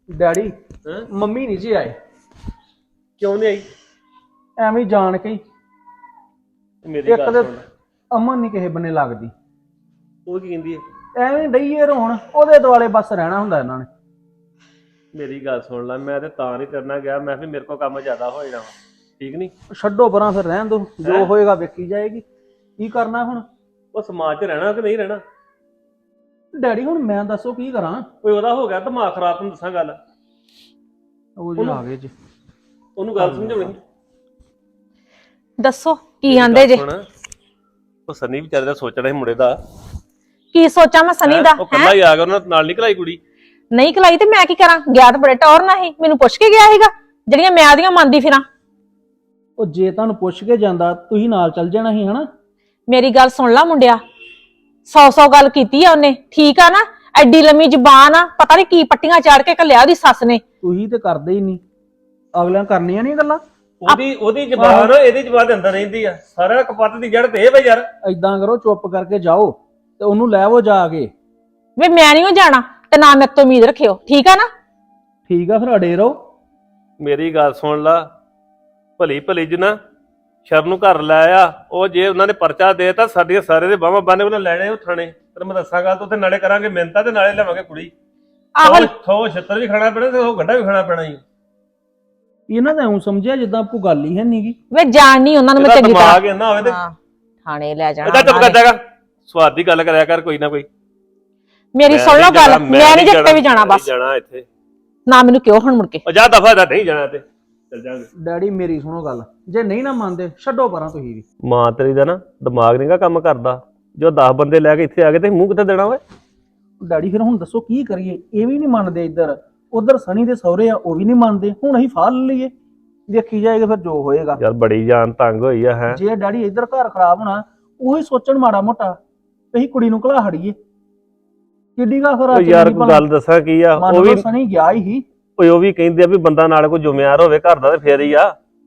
Daddy ਹੈਂ? Mummy ਨਹੀਂ ਜੀ ਆਏ, ਕਿਉਂ ਨਹੀਂ ਆਈ? ਐਵੇਂ ਹੀ ਜਾਣ ਕੇ ਹੀ। ਮੇਰੀ ਇੱਕ ਗੱਲ ਤੇ ਸੁਣ। ਅਮਨ ਨਹੀਂ ਕਿਸੇ ਬੰਨੇ ਲੱਗਦੀ, ਉਹ ਕੀ ਕਹਿੰਦੀ ਹੈ? ਐਵੇਂ ਡਈਏ ਰੋਣ, ਉਹਦੇ ਦੁਆਲੇ ਬਸ ਰਹਿਣਾ ਹੁੰਦਾ ਇਹਨਾਂ ਨੇ। ਮੇਰੀ ਗੱਲ ਸੁਣ ਲੈ, ਮੈਂ ਤੇ ਤਾਂ ਨਹੀਂ ਕਰਨਾ ਗਿਆ, ਮੈਂ ਵੀ ਮੇਰੇ ਕੋਲ ਕੰਮ ਜ਼ਿਆਦਾ ਹੋ ਜਾਣਾ ਵਾ। ਠੀਕ ਨਹੀਂ? ਛੱਡੋ ਪਰਾਂ, ਫਿਰ ਰਹਿਣ ਦੋ, ਜੋ ਹੈਂ? ਹੋਏਗਾ ਵੇਖੀ ਜਾਏਗੀ। ਕੀ ਕਰਨਾ ਹੁਣ? ਉਹ ਸਮਾਜ 'ਚ ਰਹਿਣਾ ਕਿ ਨਹੀਂ ਰਹਿਣਾ? ਡੈਡੀ ਹੁਣ ਮੈਂ ਦੱਸੋ ਕੀ ਕਰਾਂ? ਕੋਈ ਉਹਦਾ ਹੋ ਗਿਆ ਦਿਮਾਗ ਖਰਾਬ, ਤੈਨੂੰ ਦੱਸਾਂ ਗੱਲ। ਉਹ ਜੀ ਆ ਗਏ ਜੀ। ਉਹਨੂੰ ਗੱਲ ਸਮਝਾਉਣੀ। ਦੱਸੋ ਕੀ ਮੇਰੀ ਆਂਦੇ ਗੱਲ ਜੇ? ਸੁਣ, ਉਹ ਸਨੀ ਵਿਚਾਰੇ ਦਾ ਸੋਚਣਾ ਸੀ ਮੁੰਡੇ ਦਾ। ਕੀ ਸੋਚਾਂ ਮੈਂ ਸਨੀ ਦਾ? ਉਹ ਕੱਲਾ ਹੀ ਆ ਗਿਆ, ਉਹਨਾਂ ਨਾਲ ਨਿਕਲ ਆਈ ਕੁੜੀ। ਨਹੀਂ ਖਲਾਈ ਤੇ ਮੈਂ ਕੀ ਕਰਾਂ? ਗਿਆ ਤਾਂ ਬੜੇ ਟੌਰ ਨਾਲ ਹੀ, ਮੈਨੂੰ ਪੁੱਛ ਕੇ ਗਿਆ ਸੀਗਾ ਜਿਹੜੀਆਂ ਮੈਂ ਆਦੀਆਂ ਮੰਨਦੀ ਫਿਰਾਂ। ਉਹ ਜੇ ਤੁਹਾਨੂੰ ਪੁੱਛ ਕੇ ਜਾਂਦਾ ਤੁਸੀਂ ਨਾਲ ਚੱਲ ਜਾਣਾ ਸੀ ਹਨਾ। ਮੇਰੀ ਗੱਲ ਸੁਣ ਲਾ ਮੁੰਡਿਆ, 100 ਗੱਲ ਕੀਤੀ ਆ ਉਹਨੇ, ਠੀਕ ਆ ਨਾ? ਐਡੀ ਲੰਮੀ ਜ਼ਬਾਨ ਆ, ਪਤਾ ਨਹੀਂ ਕੀ ਪੱਟੀਆਂ ਚਾੜ ਕੇ ਘੱਲਿਆ ਉਹਦੀ ਸੱਸ ਨੇ। ਤੁਸੀਂ ਤੇ ਕਰਦੇ ਹੀ ਨਹੀਂ, ਅਗਲਿਆਂ ਕਰਨੀਆਂ ਨਹੀਂ ਗੱਲਾਂ। ਉਹਦੀ ਜ਼ਬਾਨ ਇਹਦੀ ਜ਼ਬਾਨ ਦੇ ਅੰਦਰ ਰਹਿੰਦੀ ਆ। ਸਾਰਾ ਕਪੱਤ ਦੀ ਜੜ ਤੇ ਇਹ ਵੇ ਯਾਰ। ਏਦਾਂ ਕਰੋ, ਚੁੱਪ ਕਰਕੇ ਜਾਓ ਤੇ ਉਹਨੂੰ ਲੈ ਆਵੋ ਜਾ ਕੇ। ਵੇ ਮੈਂ ਨਹੀਂ ਜਾਣਾ ਤੇ ਨਾ ਮੇਰੇ ਤੋਂ ਉਮੀਦ ਰੱਖਿਓ, ਠੀਕ ਆ ਨਾ? ਠੀਕ ਆ, ਫਿਰ ਅੜੇ ਰਹੋ। ਮੇਰੀ ਗੱਲ ਸੁਣ ਲਾ, ਭਲੀ ਭਲੀ ਜੀ ਨਾ ਸ਼ਰਨ ਨੂੰ ਘਰ ਲੈ ਆ। ਉਹ ਜੇ ਉਹਨਾਂ ਨੇ ਪਰਚਾ ਦੇਤਾ, ਸਾਡੀਆਂ ਸਾਰੇ ਦੇ ਬਾਹਾਂ ਬੰਨੇ ਉਹਨਾਂ ਲੈਣੇ ਉਹ ਥਾਣੇ। ਤੈਨੂੰ ਮੈਂ ਦੱਸਾਂਗਾ, ਤੂੰ ਉੱਥੇ ਨਾਲੇ ਕਰਾਂਗੇ ਮਿਹਨਤਾਂ ਤੇ ਨਾਲੇ ਲਵਾਂਗੇ ਕੁੜੀ। ਆਹੋ ਥੋ ਛੱਤਰ ਵੀ ਖਾਣਾ ਪੈਣਾ ਤੇ ਉਹ ਗੰਢਾ ਵੀ ਖਾਣਾ ਪੈਣਾ ਹੀ। ਇਹਨਾਂ ਦਾ ਐਉਂ ਸਮਝਿਆ ਜਿੱਦਾਂ ਕੋਈ ਗੱਲ ਹੀ ਹੈ ਨਹੀਂਗੀ। ਵੇ ਜਾਣ ਨਹੀਂ ਉਹਨਾਂ ਨੂੰ ਮੈਂ ਇਹਦਾ ਚੰਗੀ ਤਰ੍ਹਾਂ। ਦਿਮਾਗ ਇੰਨਾ ਹੋਵੇ ਤੇ ਹਾਂ, ਥਾਣੇ ਲੈ ਜਾਣਾ ਇਹਦਾ ਚੁੱਪ ਉਹਨਾਂ ਕਰ ਨੇ। ਜਾਗਾ। ਸਵਾਦ ਦੀ ਗੱਲ ਕਰਿਆ ਕਰ ਕੋਈ ਨਾ ਕੋਈ। ਮੇਰੀ ਸੁਣ ਲਓ ਗੱਲ, ਮੈਂ ਨਹੀਂ ਜੱਟੇ ਵੀ ਜਾਣਾ ਬਸ। ਜਾਣਾ ਇੱਥੇ ਨਾ ਮੈਨੂੰ ਕਿਉਂ ਹੁਣ ਮੁੜ ਕੇ। ਉਹ ਜਾ ਦਫਾ ਦਾ ਨਹੀਂ ਜਾਣਾ ਤੇ ਚੱਲ ਜਾਾਂਗੇ। ਡੈਡੀ ਮੇਰੀ ਸੁਣੋ ਗੱਲ, ਜੇ ਨਹੀਂ ਨਾ ਮੰਨਦੇ ਛੱਡੋ ਪਰਾਂ ਤੁਸੀਂ ਵੀ। ਮਾਂ ਤੇਰੀ ਦਾ ਨਾ ਦਿਮਾਗ ਨਹੀਂਗਾ ਕੰਮ ਕਰਦਾ। ਜੋ 10 ਬੰਦੇ ਲੈ ਕੇ ਇੱਥੇ ਆ ਗਏ ਤੇ ਮੂੰਹ ਕਿੱਥੇ ਦੇਣਾ ਓਏ? ਡੈਡੀ ਫਿਰ ਹੁਣ ਦੱਸੋ ਕੀ ਕਰੀਏ? ਇਹ ਵੀ ਨਹੀਂ ਮੰਨਦੇ, ਇੱਧਰ ਉਧਰ ਸਣੀ ਦੇ ਸਹੁਰੇ ਆ ਉਹ ਵੀ ਨਹੀਂ ਮੰਨਦੇ। ਹੁਣ ਅਸੀਂ ਫਾਲ ਲਈਏ, ਵੇਖੀ ਜਾਏਗਾ ਫਿਰ ਜੋ ਹੋਏਗਾ। ਯਾਰ ਬੜੀ ਜਾਨ ਤੰਗ ਹੋਈ ਆ। ਹੈ ਜੇ ਡੈਡੀ ਇੱਧਰ ਘਰ ਖਰਾਬ ਹੋਣਾ, ਉਹੀ ਸੋਚਣ ਮਾੜਾ ਮੋਟਾ ਤੇ ਅਸੀਂ ਕੁੜੀ ਨੂੰ ਘਲਾ ਹੜੀਏ। ਕਿੱਡੀ ਗਾ ਉਹ ਯਾਰ ਕੋਈ ਗੱਲ ਦੱਸਾਂ ਕੀ ਆ, ਉਹ ਵੀ ਸਣੀ ਗਿਆ ਹੀ। ਉਹ ਵੀ ਕਹਿੰਦੇ ਆ ਵੀ ਬੰਦਾ ਨਾਲ ਕੋਈ ਜ਼ਿੰਮੇਵਾਰ ਹੋਵੇ ਘਰ ਦਾ ਤੇ ਫੇਰ ਹੀ ਆ।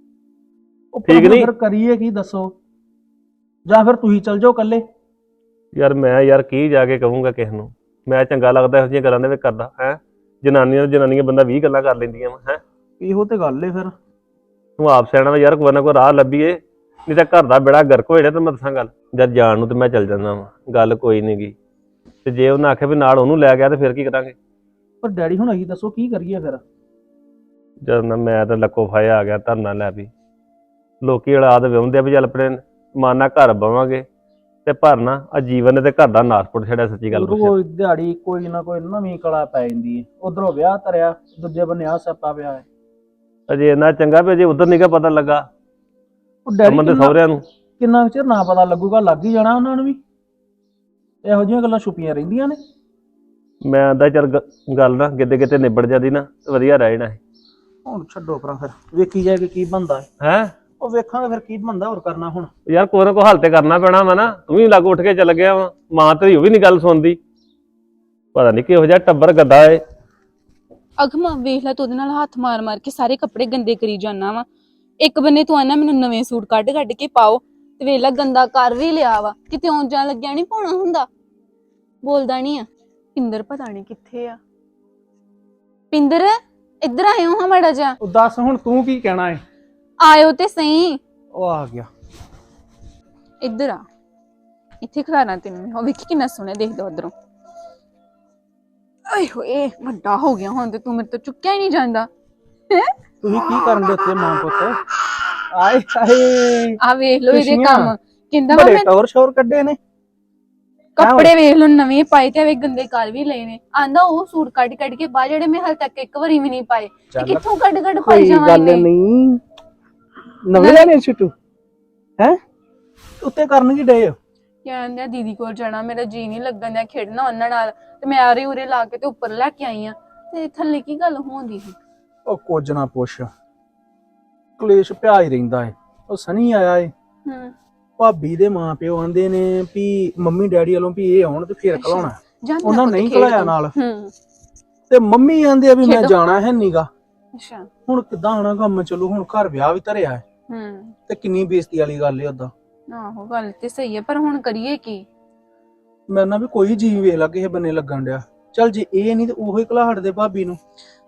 ਠੀਕ ਨਹੀਂ? ਫਿਰ ਕਰੀਏ ਕੀ ਦੱਸੋ? ਜਾਂ ਫਿਰ ਤੁਸੀਂ ਚੱਲ ਜਾਓ ਇਕੱਲੇ। ਯਾਰ ਮੈਂ ਯਾਰ ਕੀ ਜਾ ਕੇ ਕਹੂੰਗਾ ਕਿਸੇ ਨੂੰ? ਮੈਂ ਚੰਗਾ ਲੱਗਦਾ ਇਹੋ ਜਿਹੀਆਂ ਗੱਲਾਂ ਦੇ ਵਿੱਚ ਕਰਦਾ? ਹੈ ਜਨਾਨੀਆਂ ਬੰਦਾ 20 ਗੱਲਾਂ ਕਰ ਲੈਂਦੀਆਂ ਵਾ। ਹੈ ਇਹੋ ਤੇ ਗੱਲ ਏ। ਫਿਰ ਤੂੰ ਆਪ ਸਿਆਣਾ ਵਾ ਯਾਰ, ਕੋਈ ਨਾ ਕੋਈ ਰਾਹ ਲੱਭੀਏ, ਨਹੀਂ ਤਾਂ ਘਰ ਦਾ ਬੇੜਾ ਗਰਕ ਹੋ ਜਾਣਾ। ਤੇ ਮੈਂ ਦੱਸਾਂ ਗੱਲ, ਜਦ ਜਾਣ ਨੂੰ ਤੇ ਮੈਂ ਚੱਲ ਜਾਂਦਾ ਵਾ, ਗੱਲ ਕੋਈ ਨੀ ਗੀ। ਤੇ ਜੇ ਉਹਨੇ ਆਖਿਆ ਵੀ ਨਾਲ ਉਹਨੂੰ ਲੈ ਗਿਆ ਤੇ ਫਿਰ ਕੀ ਕਰਾਂਗੇ? ਪਰ ਡੈਡੀ ਹੁਣ ਅਸੀਂ ਦੱਸੋ ਕੀ ਕਰੀਏ ਫਿਰ? ਜਦ ਨਾ ਮੈਂ ਤਾਂ ਲੱਕੋ ਫਾਇਆ ਆ ਗਿਆ ਧਰਨਾ ਲੈ ਵੀ। ਲੋਕੀ ਔਲਾਦ ਵਿਆਹੁੰਦੇ ਆ ਵੀ ਚੱਲ ਆਪਣੇ ਮਾਨਾ ਘਰ ਬਵਾਂਗੇ ਤੇ ਭਰਨਾ ਆ ਜੀਵਨ ਨੇ ਤੇ ਘਰ ਦਾ ਨਾਸਪੁਰ ਛੜਿਆ। ਸੱਚੀ ਗੱਲ ਪੁੱਛੇ ਰੋਜ਼ ਦਿਹਾੜੀ ਕੋਈ ਨਾ ਕੋਈ ਨਵੀਂ ਕਲਾ ਪੈ ਜਾਂਦੀ ਹੈ। ਉਧਰੋਂ ਵਿਆਹ ਧਰਿਆ, ਦੂਜੇ ਬੰਨੇ ਆ ਸਿਆਪਾ ਪਿਆ ਹੈ। ਅਜੇ ਇੰਨਾ ਚੰਗਾ ਵੀ ਅਜੇ ਉਧਰ ਨੀਗਾ ਪਤਾ ਲੱਗਾ ਉਹ ਡੈਡੀ ਅਮਨ ਦੇ ਸਹੁਰਿਆਂ ਨੂੰ। ਕਿੰਨਾ ਚਿਰ ਨਾ ਪਤਾ ਲੱਗੂਗਾ, ਲੱਗ ਹੀ ਜਾਣਾ ਉਹਨਾਂ ਨੂੰ ਵੀ। ਇਹੋ ਜਿਹੀਆਂ ਗੱਲਾਂ ਛੁਪੀਆਂ ਰਹਿੰਦੀਆਂ ਨੇ। ਮੈਂ ਆਂਦਾ ਚੱਲ ਗੱਲ ਨਾ ਕਿਤੇ ਨਿਬੜ ਜਾਂਦੀ ਨਾ ਵਧੀਆ ਰਹਿ ਜਾਣਾ। ਹੁਣ ਛੱਡੋ ਪਰਾਂ, ਫਿਰ ਵੇਖੀ ਜਾਏਗੀ ਕੀ ਬਣਦਾ ਹੈ ਉਹ ਵੇਖਾਂਗੇ ਫਿਰ ਕੀ ਬਣਦਾ। ਹੋਰ ਕਰਨਾ ਹੁਣ ਯਾਰ ਕੋਈ ਨਾ ਕੋਈ ਹੱਲ ਤੇ ਕਰਨਾ ਪੈਣਾ ਵਾ ਨਾ। ਤੂੰ ਵੀ ਲੱਗ ਉੱਠ ਕੇ ਚੱਲ ਗਿਆ ਵਾ, ਮਾਂ ਤੇਰੀ ਉਹ ਵੀ ਨੀ ਗੱਲ ਸੁਣਦੀ। ਪਤਾ ਨੀ ਕਿਹੋ ਜਿਹਾ ਟੱਬਰ ਗੱਦਾ ਏ। ਅਗਮਾ ਵੇਖ ਲੈ, ਤੂੰ ਉਹਦੇ ਨਾਲ ਹੱਥ ਮਾਰ ਮਾਰ ਕੇ ਸਾਰੇ ਕੱਪੜੇ ਗੰਦੇ ਕਰੀ ਜਾਣਾ ਵਾ। ਇੱਕ ਬੰਨੇ ਤੂੰ ਆਣਾ ਮੈਨੂੰ ਨਵੇਂ ਸੂਟ ਕੱਢ ਕੇ ਪਾਓ, ਤੇ ਵੇਖ ਲੈ ਗੰਦਾ ਕਰ ਵੀ ਲਿਆ ਵਾ। ਕਿਤੇ ਆਉਣ ਜਾਣ ਲੱਗਿਆ ਨਹੀਂ ਪਾਉਣਾ ਹੁੰਦਾ। ਬੋਲਦਾ ਨਹੀਂ ਆ। ਪਿੰਦਰ ਪਤਾ ਨਹੀਂ ਕਿੱਥੇ ਆ। ਪਿੰਦਰ ਇੱਧਰ ਆਇਓ ਹਾਂ ਮਾੜਾ ਜਿਹਾ। ਉਹ ਦੱਸ ਹੁਣ ਤੂੰ ਕੀ ਕਹਿਣਾ ਹੈ? ਆਇਓ ਤੇ ਸਹੀ। ਉਹ ਆ ਗਿਆ। ਇੱਧਰ ਆ, ਇੱਥੇ ਖਲਾਣਾ ਤੈਨੂੰ। ਉਹ ਵੇਖੀ ਕਿੰਨਾ ਸੋਹਣਾ ਦੇਖਦਾ ਉਧਰੋਂ। ਆਏ ਹੋਏ ਵੱਡਾ ਹੋ ਗਿਆ ਹੁਣ ਤੇ ਤੂੰ ਮੇਰੇ ਤੋਂ ਚੁੱਕਿਆ ਹੀ ਨਹੀਂ ਜਾਂਦਾ। ਤੁਸੀਂ ਕੀ ਕਰਨ ਦੇ ਉੱਤੇ ਮਾਂ ਪੁੱਤ? ਆਏ ਹਾਏ, ਆ ਵੇਖ ਲੋ ਇਹਦੇ ਖੁਸ਼ੀਆਂ। ਕੰਮ। ਕਹਿੰਦਾ ਵਾ ਬੜੇ ਮੈਂ ਟੌਰ ਸ਼ੌਰ ਕੱਢੇ ਨੇ। ਕੱਪੜੇ ਵੇਖ ਲੋ ਨਵੇਂ ਪਾਏ ਤੇ ਗੰਦੇ ਕਰ ਵੀ ਲਏ ਨੇ। ਆਂਦਾ ਉਹ ਸੂਟ ਕੱਢ ਕੇ ਬਾਹਰ ਜਿਹੜੇ ਮੈਂ ਹਾਲੇ ਤੱਕ ਇੱਕ ਵਾਰੀ ਵੀ ਨਹੀਂ ਪਾਏ। ਤੇ ਕਿੱਥੋਂ ਕੱਢ ਪਾਈ ਕੋਈ ਜਾਵਾਂ ਗੱਲ ਇਹਨੇ। ਨਹੀਂ, ਨਵੇਂ ਲੈਣੇ ਛੁੱਟੂ ਹੈ ਉੱਤੇ ਕਰਨ ਕੀ ਡਏ ਹੋ? ਕਹਿੰਦਾ ਦੀਦੀ ਕੋਲ ਜਾਣਾ, ਮੇਰਾ ਜੀ ਨਹੀਂ ਲੱਗਣ ਡਿਆ ਖੇਡਣਾ ਉਹਨਾਂ ਨਾਲ। ਤੇ ਮੈਂ ਆਰੇ ਉਰੇ ਲਾ ਕੇ ਤੇ ਉੱਪਰ ਲੈ ਕੇ ਆਈ ਆ। ਤੇ ਥੱਲੇ ਕੀ ਗੱਲ ਹੋਣੀ ਸੀ? ਉਹ ਕੁਝ ਨਾ ਪੁੱਛ, ਕਲੇਸ਼ ਪਿਆ ਹੀ ਰਹਿੰਦਾ ਏ। ਉਹ ਸਨੀ ਆਇਆ ਏ, ਭਾਬੀ ਦੇ ਮਾਂ ਪਿਓ ਆਂਦੇ ਨੇ ਵੀ ਮੰਮੀ ਡੈਡੀ ਵੱਲੋਂ ਵੀ ਇਹ ਆਉਣ ਤੇ ਫੇਰ ਕਲਾਉਣਾ। ਉਹਨਾਂ ਨਹੀਂ ਕਲਾਇਆ ਨਾਲ। ਤੇ ਮੰਮੀ ਆਂਦੇ ਆ ਵੀ ਮੈਂ ਜਾਣਾ ਹੈ ਨੀਗਾ। ਅੱਛਾ ਹੁਣ ਕਿੱਦਾਂ ਆਉਣਾ ਕੰਮ? ਚਲੋ ਹੁਣ ਘਰ ਵਿਆਹ ਵੀ ਧਰਿਆ ਹੈ ਤੇ ਕਿੰਨੀ ਬੇਇੱਜ਼ਤੀ ਵਾਲੀ ਗੱਲ ਏ ਓਦਾਂ। ਆਹੋ ਗੱਲ ਤੇ ਸਹੀ ਹੈ, ਪਰ ਹੁਣ ਕਰੀਏ ਕੀ? ਮੈਂ ਨਾ ਵੀ ਕੋਈ ਜੀ ਵੇਖ ਲਾ ਕਿਸੇ ਬੰਨੇ ਲੱਗਣ ਡਿਆ। ਚੱਲ ਜੇ ਇਹ ਨਹੀਂ ਤੇ ਉਹੀ ਘਲਾਹਟ ਦੇ ਭਾਬੀ ਨੂੰ।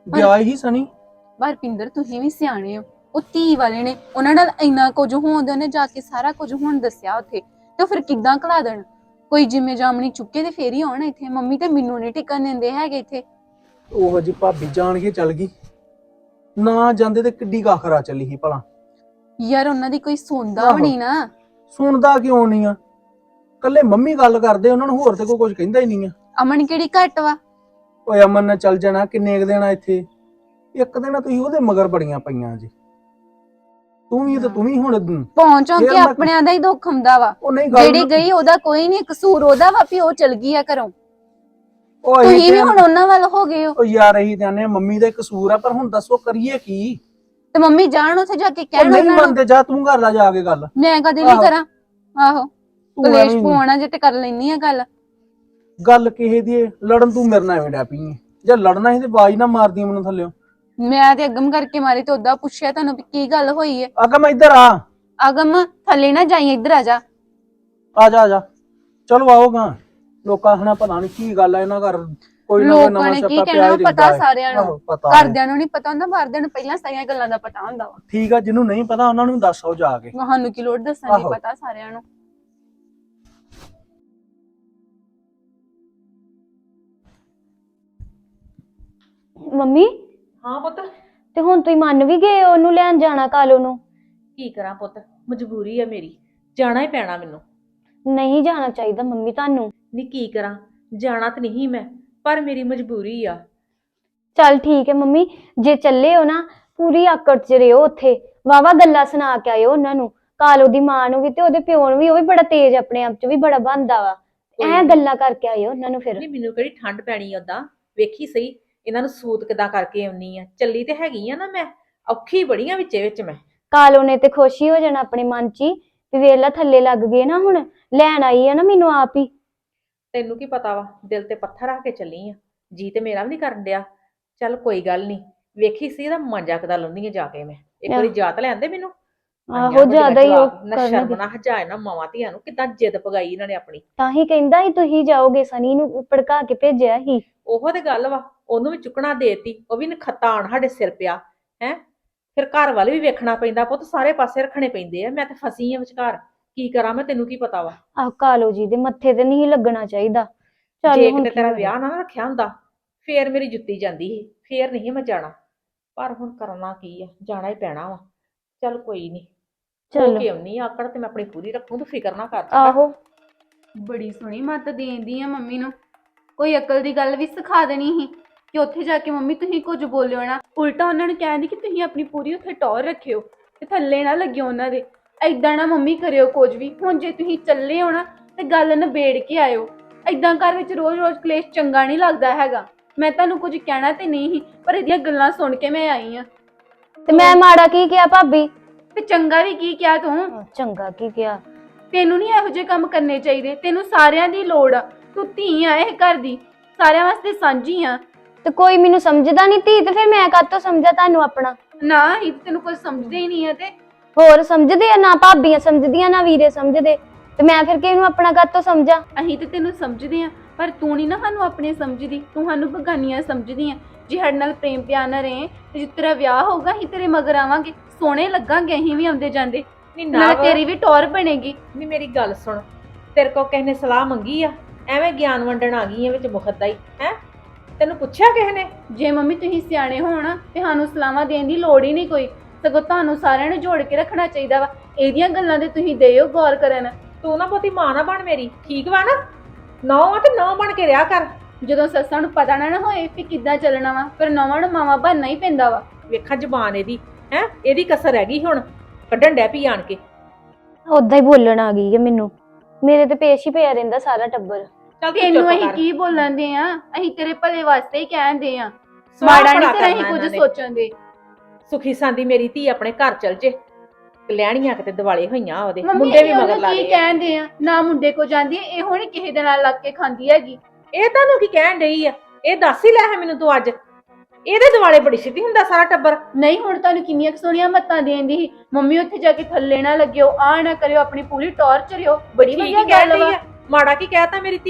ਗਿਆ ਹੀ ਸਨੀ। ਪਰ ਪਿੰਦਰ ਤੁਸੀਂ ਵੀ ਸਿਆਣੇ ਹੋ, ਉਹ ਧੀ ਵਾਲੇ ਨੇ, ਉਹਨਾਂ ਨਾਲ ਇੰਨਾ ਕੁਝ ਹੋਣ ਉਹਨੇ ਜਾ ਕੇ ਸਾਰਾ ਕੁਝ ਹੁਣ ਦੱਸਿਆ ਉੱਥੇ, ਤੇ ਫਿਰ ਕਿੱਦਾਂ ਘਲਾ ਦੇਣ? ਕੋਈ ਜਿੰਮੇ ਜਾਮਣੀ ਚੁੱਕੇ ਤੇ ਫੇਰ ਹੀ ਆਉਣ ਇੱਥੇ। ਮੰਮੀ ਤੇ ਮੈਨੂੰ ਨਹੀਂ ਟਿਕਣ ਦਿੰਦੇ ਹੈਗੇ ਇੱਥੇ। ਉਹ ਜੀ ਭਾਬੀ ਜਾਣ ਕੇ ਚੱਲ ਗਈ, ਨਾ ਜਾਂਦੇ ਤੇ ਕਿੱਡੀ ਕਾਖਰਾ ਚੱਲੀ ਸੀ ਭਲਾ। ਯਾਰ ਉਹਨਾਂ ਦੀ ਕੋਈ ਸੁਣਦਾ ਵੀ ਨਹੀਂ ਨਾ। ਸੁਣਦਾ ਕਿਉਂ ਨਹੀਂ ਆ? ਕੱਲੇ ਮੰਮੀ ਗੱਲ ਕਰਦੇ, ਉਹਨਾਂ ਨੂੰ ਹੋਰ ਤੇ ਕੋਈ ਕੁਝ ਕਹਿੰਦਾ ਹੀ ਨਹੀਂ ਆ। ਅਮਨ ਕਿਹੜੀ ਘੱਟ ਵਾ? ਓਏ ਅਮਨ ਨੇ ਚੱਲ ਜਾਣਾ, ਕਿੰਨੇ ਕੁ ਦਿਨ ਆ ਇੱਥੇ? ਇੱਕ ਦਿਨ ਤੁਸੀਂ ਉਹਦੇ ਮਗਰ ਬੜੀਆਂ ਪਈਆਂ ਜੀ। ਤੂੰ ਵੀ ਹੁਣ ਪਹੁੰਚੋਂ ਕੇ ਆਪਣਿਆਂ ਦਾ ਹੀ ਦੁੱਖ ਹੁੰਦਾ ਵਾ। ਉਹ ਨਹੀਂ ਜਿਹੜੀ ਗਈ ਉਹਦਾ ਕੋਈ ਨਹੀਂ ਕਸੂਰ, ਉਹਦਾ ਵਾ ਵੀ ਉਹ ਚਲ ਗਈ ਆ ਘਰੋਂ। ਤੁਸੀਂ ਵੀ ਹੁਣ ਉਹਨਾਂ ਵੱਲ ਹੋ ਗਏ ਹੋ। ਉਹ ਯਾਰ ਇਹੀ ਕਹਿੰਦੇ ਮੰਮੀ ਦਾ ਕਸੂਰ ਆ, ਪਰ ਹੁਣ ਦੱਸੋ ਕਰੀਏ ਕੀ? ਤੇ ਮੰਮੀ ਜਾਣ ਉੱਥੇ ਜਾ ਕੇ ਕਹਿਣ ਨਹੀਂ ਮੰਨਦੇ, ਜਾ ਤੂੰ ਕਰ ਲੈ ਜਾ ਕੇ ਗੱਲ। ਮੈਂ ਕਦੇ ਨਹੀਂ ਕਰਾਂ। ਆਹੋ ਕਲੇਸ਼ ਪਵਾਉਣਾ ਜੇ ਤੇ ਕਰ ਲੈਣੀ ਆ ਗੱਲ ਕਿਸੇ ਦੀ ਲੜਨ ਤੂੰ ਮੇਰੇ ਨਾਲ ਐਵੇਂ ਡੈ ਪਈ ਜੇ ਲੜਨਾ ਸੀ ਤੇ ਆਵਾਜ਼ ਨਾ ਮਾਰਦੀ ਮੈਨੂੰ ਥੱਲਿਓ। ਮੈਂ ਤੇ ਅਗਮ ਕਰਕੇ ਮਾਰੀ ਤੇ ਉਦਾਂ ਪੁੱਛਿਆ ਤੁਹਾਨੂੰ ਵੀ ਕੀ ਗੱਲ ਹੋਈ ਹੈ। ਅਗਮ ਇੱਧਰ ਆ। ਅਗਮ ਥੱਲੇ ਨਾ ਜਾਈ, ਇੱਧਰ ਆ ਜਾ। ਆ ਜਾ ਚਲੋ ਆਓਗਾ। ਲੋਕਾਂ ਹਣਾ ਪਤਾ ਨਹੀਂ ਕੀ ਗੱਲ ਆ ਇਹਨਾਂ ਘਰ, ਕੋਈ ਨਾ ਲੋਕਾਂ ਨੇ ਕੀ ਕਹਿਣਾ ਪਤਾ ਸਾਰਿਆਂ ਨੂੰ। ਘਰਦਿਆਂ ਨੂੰ ਨਹੀਂ ਪਤਾ ਹੁੰਦਾ, ਬਾਹਰਦਿਆਂ ਨੂੰ ਪਹਿਲਾਂ ਸਾਰੀਆਂ ਗੱਲਾਂ ਦਾ ਪਤਾ ਹੁੰਦਾ ਵਾ। ਠੀਕ ਆ, ਜਿਹਨੂੰ ਨਹੀਂ ਪਤਾ ਉਹਨਾਂ ਨੂੰ ਦੱਸ ਆਓ ਜਾ ਕੇ। ਸਾਨੂੰ ਕੀ ਲੋੜ ਦੱਸਣ ਦੀ, ਪਤਾ ਸਾਰਿਆਂ ਨੂੰ। ਮੰਮੀ ਹਾਂ ਪੁੱਤ। ਤੇ ਹੁਣ ਤੁਸੀਂ ਮੰਨ ਵੀ ਗਏ ਉਹਨੂੰ ਲੈਣ ਜਾਣਾ ਕਾਲੋ ਨੂੰ? ਕੀ ਕਰਾਂ ਪੁੱਤ, ਮਜਬੂਰੀ ਆ ਮੇਰੀ, ਜਾਣਾ ਹੀ ਪੈਣਾ ਮੈਨੂੰ। ਨਹੀਂ ਜਾਣਾ ਚਾਹੀਦਾ ਮੰਮੀ ਤੁਹਾਨੂੰ। ਨੀ ਕੀ ਕਰਾਂ, ਜਾਣਾ ਤਾਂ ਨਹੀਂ ਮੈਂ, ਪਰ ਮੇਰੀ ਮਜਬੂਰੀ ਆ। ਚੱਲ ਠੀਕ ਹੈ ਮੰਮੀ, ਜੇ ਚੱਲੇ ਹੋ ਨਾ ਪੂਰੀ ਆਕੜ ਚ ਰਿਓ ਉੱਥੇ, ਵਾਵਾ ਗੱਲਾਂ ਸੁਣਾ ਕੇ ਆਇਓ ਉਹਨਾਂ ਨੂੰ, ਕਾਲੋ ਦੀ ਮਾਂ ਨੂੰ ਵੀ ਤੇ ਉਹਦੇ ਪਿਓ ਨੂੰ ਵੀ। ਉਹ ਵੀ ਬੜਾ ਤੇਜ਼ ਆਪਣੇ ਆਪ ਚ ਵੀ ਬੜਾ ਬਣਦਾ ਵਾ, ਐ ਗੱਲਾਂ ਕਰਕੇ ਆਇਓ ਉਹਨਾਂ ਨੂੰ। ਫਿਰ ਨਹੀਂ ਮੈਨੂੰ ਕਿਹੜੀ ਠੰਡ ਪੈਣੀ ਓਦਾਂ, ਵੇਖੀ ਸਹੀ ਇਹਨਾਂ ਨੂੰ ਸੂਤ ਕਿਦਾਂ ਕਰਕੇ ਆਉਣੀ ਆ। ਚੱਲੀ ਤੇ ਹੈਗੀ ਆ ਨਾ ਮੈਂ, ਔਖੀ ਬੜੀ ਆ ਵਿੱਚ ਮੈਂ। ਕਾਲੋ ਨੇ ਤੇ ਖੁਸ਼ੀ ਹੋ ਜਾਣਾ ਆਪਣੇ ਮਨ ਚ ਹੀ ਵੀ ਵੇਲਾ ਥੱਲੇ ਲੱਗ ਗਏ ਨਾ, ਹੁਣ ਲੈਣ ਆਈ ਆ ਨਾ ਮੈਨੂੰ ਆਪ ਹੀ। ਤੈਨੂੰ ਕੀ ਪਤਾ ਵਾ, ਦਿਲ ਤੇ ਪੱਥਰ ਰੱਖ ਕੇ ਚੱਲੀ ਆ, ਜੀ ਤੇ ਮੇਰਾ ਵੀ ਨਹੀਂ ਕਰਨ ਡਿਆ। ਚੱਲ ਕੋਈ ਗੱਲ ਨਹੀਂ, ਵੇਖੀ ਸੀ ਇਹਦਾ ਮਾਂਜਾ ਕਿਦਾਂ ਲਾਉਂਦੀ ਆ ਜਾ ਕੇ ਮੈਂ। ਇੱਕ ਵਾਰੀ ਜਾਤ ਲੈਂਦੇ ਮੈਨੂੰ। ਆਹੋ ਜ਼ਿਆਦਾ ਹੀ ਉਹ ਨਾ ਸ਼ਰਮ ਨਾ ਹਜਾਏ ਨਾ ਮਾਵਾਂ ਧੀਆਂ ਨੂੰ, ਕਿਦਾਂ ਜਿੱਦ ਪਗਾਈ ਇਹਨਾਂ ਨੇ ਆਪਣੀ। ਤਾਂ ਹੀ ਕਹਿੰਦਾ ਸੀ ਤੁਸੀਂ ਜਾਓਗੇ, ਸਨੀ ਨੂੰ ਭੜਕਾ ਕੇ ਭੇਜਿਆ ਸੀ। ਉਹੋ ਤੇ ਗੱਲ ਵਾ, ਉਹਨੂੰ ਵੀ ਚੁੱਕਣਾ ਦੇਤੀ, ਉਹ ਵੀ ਨਖੱਤਾ ਆਣ ਸਾਡੇ ਸਿਰ ਪਿਆ ਹੈ। ਫਿਰ ਘਰ ਵਾਲੇ ਵੀ ਵੇਖਣਾ ਪੈਂਦਾ ਪੁੱਤ, ਸਾਰੇ ਪਾਸੇ ਰੱਖਣੇ ਪੈਂਦੇ ਆ। ਮੈਂ ਤੇ ਫਸੀ ਆ ਵਿਚਕਾਰ, ਕੀ ਕਰਾਂ ਮੈਂ, ਤੈਨੂੰ ਕੀ ਪਤਾ ਵਾ। ਆਹ ਕਾਲੋ ਜੀ ਦੇ ਮੱਥੇ ਤੇ ਨਹੀਂ ਲੱਗਣਾ ਚਾਹੀਦਾ। ਜੇ ਕਿਤੇ ਤੇਰਾ ਵਿਆਹ ਨਾ ਰੱਖਿਆ ਹੁੰਦਾ ਫੇਰ ਮੇਰੀ ਜੁੱਤੀ ਜਾਂਦੀ ਸੀ, ਫੇਰ ਨਹੀਂ ਮੈਂ ਜਾਣਾ। ਪਰ ਹੁਣ ਕਰਨਾ ਕੀ ਆ, ਜਾਣਾ ਹੀ ਪੈਣਾ ਵਾ। ਚੱਲ ਕੋਈ ਨਹੀਂ, ਚਲੋ ਕਿ ਆਉਣੀ ਆਕੜ ਤੇ ਮੈਂ ਆਪਣੀ ਪੂਰੀ ਰੱਖੂ, ਤੂੰ ਫਿਕਰ ਨਾ ਕਰ। ਆਹੋ ਬੜੀ ਸੋਹਣੀ ਮੱਤ ਦੇਂਦੀ ਆ ਮੰਮੀ ਨੂੰ, ਕੋਈ ਅਕਲ ਦੀ ਗੱਲ ਵੀ ਸਿਖਾ ਦੇਣੀ ਸੀ ਕਿ ਉੱਥੇ ਜਾ ਕੇ ਮੰਮੀ ਤੁਸੀਂ ਕੁਝ ਬੋਲਿਓ ਨਾ। ਉਲਟਾ ਉਹਨਾਂ ਨੂੰ ਕਹਿੰਦੀ ਕਿ ਤੁਸੀਂ ਆਪਣੀ ਪੂਰੀ ਉੱਥੇ ਟੌਰ ਰੱਖਿਓ ਤੇ ਥੱਲੇ ਨਾ ਲੱਗਿਓ ਉਹਨਾਂ ਦੇ। ਏਦਾਂ ਨਾ ਮੰਮੀ ਕਰਿਓ ਕੁਝ ਵੀ। ਹੁਣ ਜੇ ਤੁਸੀਂ ਚੱਲੇ ਹੋ ਨਾ ਤੇ ਗੱਲ ਨਿਬੇੜ ਕੇ ਆਇਓ। ਏਦਾਂ ਘਰ ਵਿੱਚ ਰੋਜ਼-ਰੋਜ਼ ਕਲੇਸ਼ ਚੰਗਾ ਨਹੀਂ ਲੱਗਦਾ ਹੈਗਾ। ਮੈਂ ਤੁਹਾਨੂੰ ਕੁਝ ਕਹਿਣਾ ਤੇ ਨਹੀਂ ਸੀ, ਪਰ ਇਹਦੀਆਂ ਗੱਲਾਂ ਸੁਣ ਕੇ ਮੈਂ ਆਈ ਆ। ਤੇ ਮੈਂ ਮਾੜਾ ਕੀ ਕਿਹਾ ਭਾਬੀ? ਤੇ ਚੰਗਾ ਵੀ ਕੀ ਕਿਹਾ ਤੂੰ? ਚੰਗਾ ਕੀ ਕਿਹਾ? ਤੈਨੂੰ ਨਹੀਂ ਇਹੋ ਜਿਹੇ ਕੰਮ ਕਰਨੇ ਚਾਹੀਦੇ। ਤੈਨੂੰ ਸਾਰਿਆਂ ਦੀ ਲੋੜ ਆ, ਤੂੰ ਧੀ ਆ ਇਹ ਘਰ ਦੀ, ਸਾਰਿਆਂ ਵਾਸਤੇ ਸਾਂਝੀ ਆ। ਤੇ ਕੋਈ ਮੈਨੂੰ ਸਮਝਦਾ ਨਹੀਂ ਧੀ, ਤੇ ਫਿਰ ਮੈਂ ਕਾਹਤੋਂ ਸਮਝਾ ਤੁਹਾਨੂੰ ਆਪਣਾ? ਨਾ ਇਹ ਤੈਨੂੰ ਕੋਈ ਸਮਝਦੇ ਹੀ ਨਹੀਂ ਆ। ਤੇ ਹੋਰ ਸਮਝਦੇ ਆ ਨਾ, ਭਾਬੀਆਂ ਸਮਝਦੀਆਂ ਨਾ ਵੀਰੇ ਸਮਝਦੇ, ਤੇ ਮੈਂ ਫਿਰ ਕਿਹਨੂੰ ਆਪਣਾ ਕਾਹਤੋਂ ਸਮਝਾ? ਅਸੀਂ ਤੇ ਤੈਨੂੰ ਸਮਝਦੇ ਆ, ਪਰ ਤੂੰ ਨਹੀਂ ਨਾ ਸਾਨੂੰ ਆਪਣੇ ਸਮਝਦੀ, ਤੂੰ ਸਾਨੂੰ ਬਗਾਨੀਆਂ ਸਮਝਦੀ ਆ। ਜੇ ਸਾਡੇ ਨਾਲ ਪ੍ਰੇਮ ਪਿਆਰ ਨਾ ਰਹੇ ਤੇ ਜਿਸ ਤੇਰਾ ਵਿਆਹ ਹੋਊਗਾ ਅਸੀਂ ਤੇਰੇ ਮਗਰ ਆਵਾਂਗੇ, ਸੋਹਣੇ ਲੱਗਾਂਗੇ ਅਸੀਂ ਵੀ ਆਉਂਦੇ ਜਾਂਦੇ, ਨਾਲ ਤੇਰੀ ਵੀ ਟੌਰ ਬਣੇਗੀ। ਨਹੀਂ ਮੇਰੀ ਗੱਲ ਸੁਣ, ਤੇਰੇ ਕੋਲ ਕਿਸੇ ਨੇ ਸਲਾਹ ਮੰਗੀ ਆ? ਐਵੇਂ ਗਿਆਨ ਵੰਡਣ ਆ ਗਈ ਐ ਵਿੱਚ ਮੁਖਦਾ ਹੀ ਹੈ? ਤੈਨੂੰ ਪੁੱਛਿਆ ਕਿਸੇ ਨੇ? ਜੇ ਮੰਮੀ ਤੁਸੀਂ ਸਿਆਣੇ ਹੋਣ ਤੇ ਸਾਨੂੰ ਸਲਾਹਾਂ ਦੇਣ ਦੀ ਲੋੜ ਹੀ ਨਹੀਂ ਕੋਈ, ਸਗੋਂ ਤੁਹਾਨੂੰ ਸਾਰਿਆਂ ਨੂੰ ਜੋੜ ਕੇ ਰੱਖਣਾ ਚਾਹੀਦਾ ਵਾ। ਇਹਦੀਆਂ ਗੱਲਾਂ ਤੇ ਤੁਸੀਂ ਦਿਓ ਗੌਰ ਕਰਨ। ਤੂੰ ਨਾ ਬਹੁਤੀ ਮਾਂ ਨਾ ਬਣ ਮੇਰੀ, ਠੀਕ ਵਾ ਨਾ? ਨੌਂ ਆ ਤੇ ਨੌਂ ਬਣ ਕੇ ਰਿਹਾ ਕਰ। ਜਦੋਂ ਸੱਸਾਂ ਨੂੰ ਪਤਾ ਨਾ ਹੋਏ ਵੀ ਕਿੱਦਾਂ ਚੱਲਣਾ ਵਾ, ਫਿਰ ਨੌਵਾਂ ਨੂੰ ਮਾਵਾਂ ਬਣਨਾ ਹੀ ਪੈਂਦਾ ਵਾ। ਵੇਖਾਂ ਜ਼ਬਾਨ ਇਹਦੀ ਹੈ, ਇਹਦੀ ਕਸਰ ਹੈਗੀ ਹੁਣ ਕੱਢਣ ਡੈ ਪਈ ਆਣ ਕੇ। ਉਦਾਂ ਹੀ ਬੋਲਣ ਆ ਗਈ ਹੈ ਮੈਨੂੰ, ਮੇਰੇ ਤੇ ਪੇਸ਼ ਹੀ ਪਿਆ ਰਹਿੰਦਾ ਸਾਰਾ ਟੱਬਰ। ਤੈਨੂੰ ਅਸੀਂ ਕੀ ਬੋਲਣ ਦੇ ਆ? ਅਸੀਂ ਤੇਰੇ ਭਲੇ ਵਾਸਤੇ ਹੀ ਕਹਿੰਦੇ ਆ, ਮਾੜਾ ਨਹੀਂ ਤੇਰਾ ਅਸੀਂ ਕੁਝ ਸੋਚਣ ਦੇ। ਸੁਖੀ ਸਾਂਦੀ ਮੇਰੀ ਧੀ ਆਪਣੇ ਘਰ ਚਲ ਜੇ, ਕਲਿਆਣੀਆਂ ਕਿਤੇ ਦਿਵਾਲੇ ਹੋਈਆਂ, ਉਹਦੇ ਮੁੰਡੇ ਵੀ ਮਗਰ ਲਾ ਕੀ ਕਹਿੰਦੇ ਆ? ਨਾ ਮੁੰਡੇ ਕੋ ਜਾਂਦੀ ਐ, ਇਹੋ ਨਹੀਂ ਕਿਸੇ ਦੇ ਨਾਲ ਲੱਗ ਕੇ ਖਾਂਦੀ ਹੈਗੀ। ਇਹ ਤੁਹਾਨੂੰ ਕੀ ਕਹਿਣ ਡਈ ਆ? ਇਹ ਦੱਸ ਹੀ ਲੈ ਹੈ ਮੈਨੂੰ ਤੂੰ ਅੱਜ। ਇਹਦੇ ਦਿਵਾਲੇ ਬੜੀ ਸਿੱਧੀ ਹੁੰਦਾ ਸਾਰਾ ਟੱਬਰ। ਨਹੀਂ ਹੁਣ ਤੁਹਾਨੂੰ ਕਿੰਨੀਆਂ ਸੋਹਣੀਆਂ ਮੱਤਾਂ ਦੇਂਦੀ ਸੀ, ਮੰਮੀ ਉੱਥੇ ਜਾ ਕੇ ਥੱਲੇ ਨਾ ਲੱਗਿਓ, ਆ ਨਾ ਕਰਿਓ, ਆਪਣੀ ਪੂਰੀ ਟੌਰ ਚਰਿਓ। ਬੜੀ ਵਧੀਆ ਗੱਲ ਵਾ। ਮਾੜਾ ਕੀ ਕਹਿਤਾ ਮੇਰੀ ਧੀ ਨੇ?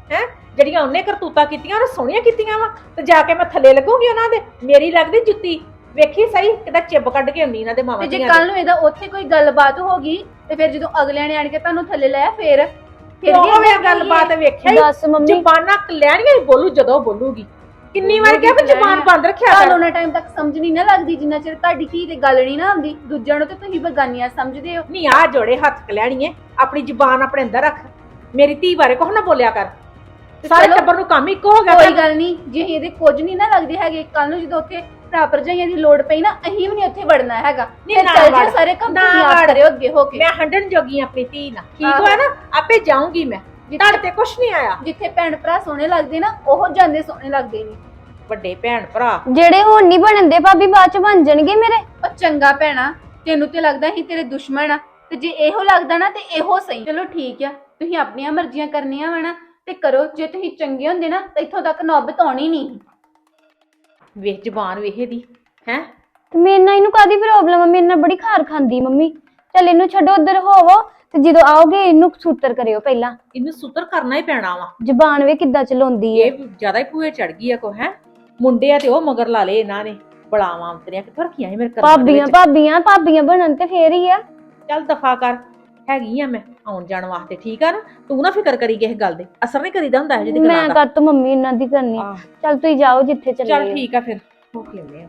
ਹੈ ਜਿਹੜੀਆਂ ਉਹਨੇ ਕਰਤੂਤਾਂ ਕੀਤੀਆਂ ਉਹ ਸੋਹਣੀਆਂ ਕੀਤੀਆਂ ਵਾ ਤੇ ਜਾ ਕੇ ਮੈਂ ਥੱਲੇ ਲੱਗੂਗੀ ਉਹਨਾਂ ਦੇ। ਮੇਰੀ ਲੱਗਦੀ ਜੁੱਤੀ ਵੇਖੀ ਸਹੀ ਕਿਦਾ ਚਿੱਬ ਕੱਢ ਕੇ ਆਉਣੀ ਇਹਨਾਂ ਦੇ ਮਾਵਾਂ ਤੇ ਜੇ ਦੀਆਂ ਕੱਲ ਨੂੰ ਇਹਦਾ ਉੱਥੇ ਕੋਈ ਗੱਲਬਾਤ ਹੋ ਗਈ ਤੇ ਫਿਰ ਜਦੋਂ ਅਗਲਿਆਂ ਨੇ ਆਣ ਕੇ ਤੁਹਾਨੂੰ ਥੱਲੇ ਲਾਇਆ ਫਿਰ ਉਹ ਵੇ ਗੱਲਬਾਤ ਵੇਖਿਆ ਦੱਸ ਮੰਮੀ ਜ਼ੁਬਾਨਾਂ ਕਲਿਆਣੀਆਂ ਹੀ ਬੋਲੂ ਜਦੋਂ ਬੋਲੂਗੀ। ਕਿੰਨੀ ਵਾਰ ਕਿਹਾ ਵੀ ਜ਼ੁਬਾਨ ਬੰਦ ਰੱਖਿਆ ਕਰ। ਤੁਹਾਨੂੰ ਉਹਨਾਂ ਟਾਈਮ ਤੱਕ ਸਮਝ ਨਹੀਂ ਨਾ ਲੱਗਦੀ ਜਿੰਨਾ ਚਿਰ ਤੁਹਾਡੀ ਧੀ ਤੇ ਗੱਲ ਨਹੀਂ ਨਾ ਆਉਂਦੀ। ਦੂਜਿਆਂ ਨੂੰ ਤੇ ਤੁਸੀਂ ਬਗਾਨੀਆਂ ਸਮਝਦੇ ਹੋ। ਨਹੀਂ ਆ ਜੋੜੇ ਹੱਥ ਕਲਿਆਣੀਏ ਆਪਣੀ ਜ਼ੁਬਾਨ ਆਪਣੇ ਅੰਦਰ ਰੱਖ। ਮੇਰੀ ਧੀ ਬਾਰੇ ਕੁਛ ਨਾ ਬੋਲਿਆ ਕਰ। ਸਾਰੇ ਚਲੋ, ਟੱਬਰ ਨੂੰ ਕੰਮ ਇੱਕੋ ਹੋ ਗਿਆ। ਕੋਈ ਗੱਲ ਨਹੀਂ, ਜੇ ਇਹਦੇ ਕੁਝ ਨਹੀਂ ਨਾ ਲੱਗਦੇ ਹੈਗੇ ਕੱਲ ਨੂੰ ਜਦੋਂ ਉੱਥੇ ਭਰਾ ਭਰਜਾਈਆਂ ਦੀ ਲੋੜ ਪਈ ਨਾ ਅਸੀਂ ਵੀ ਨਹੀਂ ਉੱਥੇ ਵੜਨਾ ਹੈਗਾ। ਫਿਰ ਨਾ ਚੱਲ ਵੜ, ਜਾ ਸਾਰੇ ਕੰਮ ਨਾ ਤੁਸੀਂ ਆਪ ਵੜ। ਕਰਿਓ ਅੱਗੇ ਹੋ ਕੇ। ਮੈਂ ਹੰਡਣ ਜੋਗੀ ਆਂ ਆਪਣੀ ਧੀ ਨਾਲ। ਠੀਕ ਆਹੋ। ਹੋਇਆ ਨਾ ਆਪੇ ਜਾਊਂਗੀ ਮੈਂ। ਤੁਹਾਡੇ ਤੇ ਕੁਛ ਨਹੀਂ ਆਇਆ। ਜਿੱਥੇ ਭੈਣ ਭਰਾ ਸੋਹਣੇ ਲੱਗਦੇ ਨਾ ਉਹ ਜਾਂਦੇ ਸੋਹਣੇ ਲੱਗਦੇ ਨੇ। ਵੱਡੇ ਭੈਣ ਭਰਾ ਜਿਹੜੇ ਹੁਣ ਨਹੀਂ ਬਣਦੇ ਭਾਬੀ ਬਾਅਦ ਚ ਬਣ ਜਾਣਗੇ ਮੇਰੇ। ਉਹ ਚੰਗਾ ਭੈਣਾ ਤੈਨੂੰ ਤੇ ਲੱਗਦਾ ਸੀ ਤੇਰੇ ਦੁਸ਼ਮਣ ਆ ਤੇ ਜੇ ਇਹੋ ਲੱਗਦਾ ਨਾ ਤੇ ਇਹੋ ਸਹੀ। ਚਲੋ ਠੀਕ ਆ, ਤੁਸੀਂ ਆਪਣੀਆਂ ਮਰਜ਼ੀਆਂ ਕਰਨੀਆਂ ਵਾ ਨਾ ਤੇ ਕਰੋ। ਜੇ ਤੁਸੀਂ ਚੰਗੇ ਹੁੰਦੇ ਨਾ ਤਾਂ ਇੱਥੋਂ ਤੱਕ ਨੌਬਤ ਆਉਣੀ ਨਹੀਂ। ਵੇਖ ਜ਼ੁਬਾਨ ਵੇਖੇ ਦੀ ਹੈ। ਤੇ ਮੇਰੇ ਨਾਲ ਇਹਨੂੰ ਕਾਦੀ ਪ੍ਰੋਬਲਮ ਆ? ਮੇਰੇ ਨਾਲ ਬੜੀ ਖਾਰ ਖਾਂਦੀ ਮੰਮੀ। ਚੱਲ ਇਹਨੂੰ ਛੱਡੋ ਉਧਰ ਹੋਵੋ ਤੇ ਜਦੋਂ ਆਓਗੇ ਇਹਨੂੰ ਸੂਤਰ ਕਰਿਓ ਪਹਿਲਾਂ। ਇਹਨੂੰ ਸੁਤਰ ਕਰਨਾ ਹੀ ਪੈਣਾ ਵਾ। ਜ਼ਬਾਨ ਵੇ ਕਿੱਦਾਂ ਚਲਾਉਂਦੀ ਏ। ਇਹ ਜ਼ਿਆਦਾ ਹੀ ਭੂਏ ਚੜ ਗਈ ਆ ਕੋ ਹੈ। ਮੁੰਡੇ ਆ ਤੇ ਉਹ ਮਗਰ ਲਾ ਲਏ ਇਹਨਾਂ ਨੇ। ਬੜਾਵਾਂ ਅੰਤਰੀਆਂ ਕਿੱਥੋਂ ਰੱਖੀਆਂ ਸੀ ਮੇਰੇ ਕਰਮਾਂ ਦੇ ਭਾਬੀਆਂ ਵਿੱਚ। ਭਾਬੀਆਂ ਭਾਬੀਆਂ ਬਣਨ ਤੇ ਫੇਰ ਹੀ ਆ। ਚੱਲ ਦਫਾ ਕਰ। ਹੈਗੀ ਆ ਮੈਂ ਆਉਣ ਜਾਣ ਵਾਸਤੇ। ਠੀਕ ਆ ਨਾ। ਤੂੰ ਨਾ ਫਿਕਰ ਕਰੀ ਕਿਸੇ ਗੱਲ ਦੇ। ਅਸਰ ਨਹੀਂ ਕਰੀਦਾ ਹੁੰਦਾ ਇਹ ਜਿਹੀ ਮੈਂ ਗੱਲਾਂ ਦਾ। ਕਰ ਤੂੰ ਮੰਮੀ ਇਹਨਾਂ ਦੀ ਕਰਨੀ। ਆਹ, ਚੱਲ ਤੁਸੀਂ ਜਾਓ ਜਿੱਥੇ ਚੱਲੇ ਚੱਲ ਹੋ। ਠੀਕ ਆ ਫਿਰ ਹੋ ਕੇ ਆਉਂਦੇ ਆ।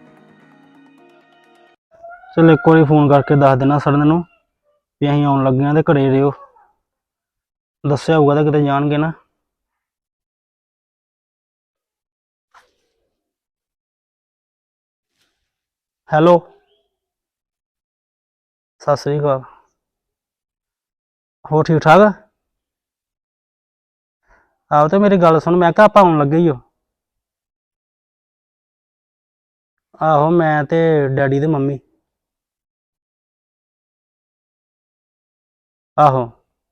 ਚਲ ਇੱਕ ਵਾਰੀ ਫੋਨ ਕਰਕੇ ਦੱਸ ਦੇਣਾ ਸਰਨ ਨੂੰ ਵੀ ਅਸੀਂ ਆਉਣ ਲੱਗੇ ਆਂ ਤੇ ਘਰੇ ਰਿਓ। ਦੱਸਿਆ ਹੋਊਗਾ ਤਾਂ ਕਿਤੇ ਜਾਣਗੇ ਨਾ। ਹੈਲੋ, ਸਤਿ ਸ੍ਰੀ ਅਕਾਲ। ਹੋ ਠੀਕ ਠਾਕ? ਆਹੋ ਤੇ ਮੇਰੀ ਗੱਲ ਸੁਣ, ਮੈਂ ਕਿਹਾ ਆਪਾਂ ਆਉਣ ਲੱਗੇ ਹੀ ਹੋ। ਆਹੋ ਮੈਂ ਤੇ ਡੈਡੀ ਤੇ ਮੰਮੀ। ਆਹੋ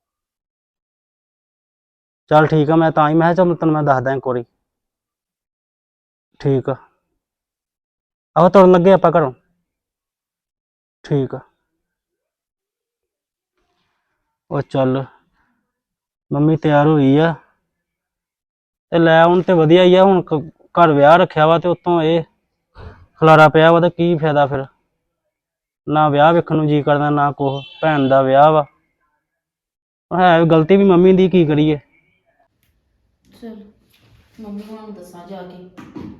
ਚੱਲ ਠੀਕ ਆ, ਮੈਂ ਤਾਂ ਹੀ ਮੈਂ ਕਿਹਾ ਚੱਲ ਤੈਨੂੰ ਮੈਂ ਦੱਸਦਾ ਇੱਕ ਵਾਰੀ। ਠੀਕ ਆ, ਆਹੋ ਤੁਰਨ ਲੱਗੇ ਆਪਾਂ ਘਰੋਂ। ਠੀਕ ਆ। ਉਹ ਚੱਲ ਮੰਮੀ ਤਿਆਰ ਹੋਈ ਆ ਤੇ ਲੈ ਹੁਣ ਤੇ ਵਧੀਆ ਹੀ ਆ। ਹੁਣ ਘਰ ਵਿਆਹ ਰੱਖਿਆ ਵਾ ਤੇ ਉਤੋਂ ਇਹ ਖਲਾਰਾ ਪਿਆ ਵਾ ਤੇ ਕੀ ਫਾਇਦਾ ਫਿਰ। ਨਾ ਵਿਆਹ ਵੇਖਣ ਨੂੰ ਜੀ ਕਰਦਾ ਨਾ ਕੁਛ। ਭੈਣ ਦਾ ਵਿਆਹ ਵਾ। ਹੈ ਗਲਤੀ ਵੀ ਮੰਮੀ ਦੀ, ਕੀ ਕਰੀਏ। ਚਲ ਮੰਮੀ ਨੂੰ ਦੱਸਾਂ ਜਾ ਕੇ।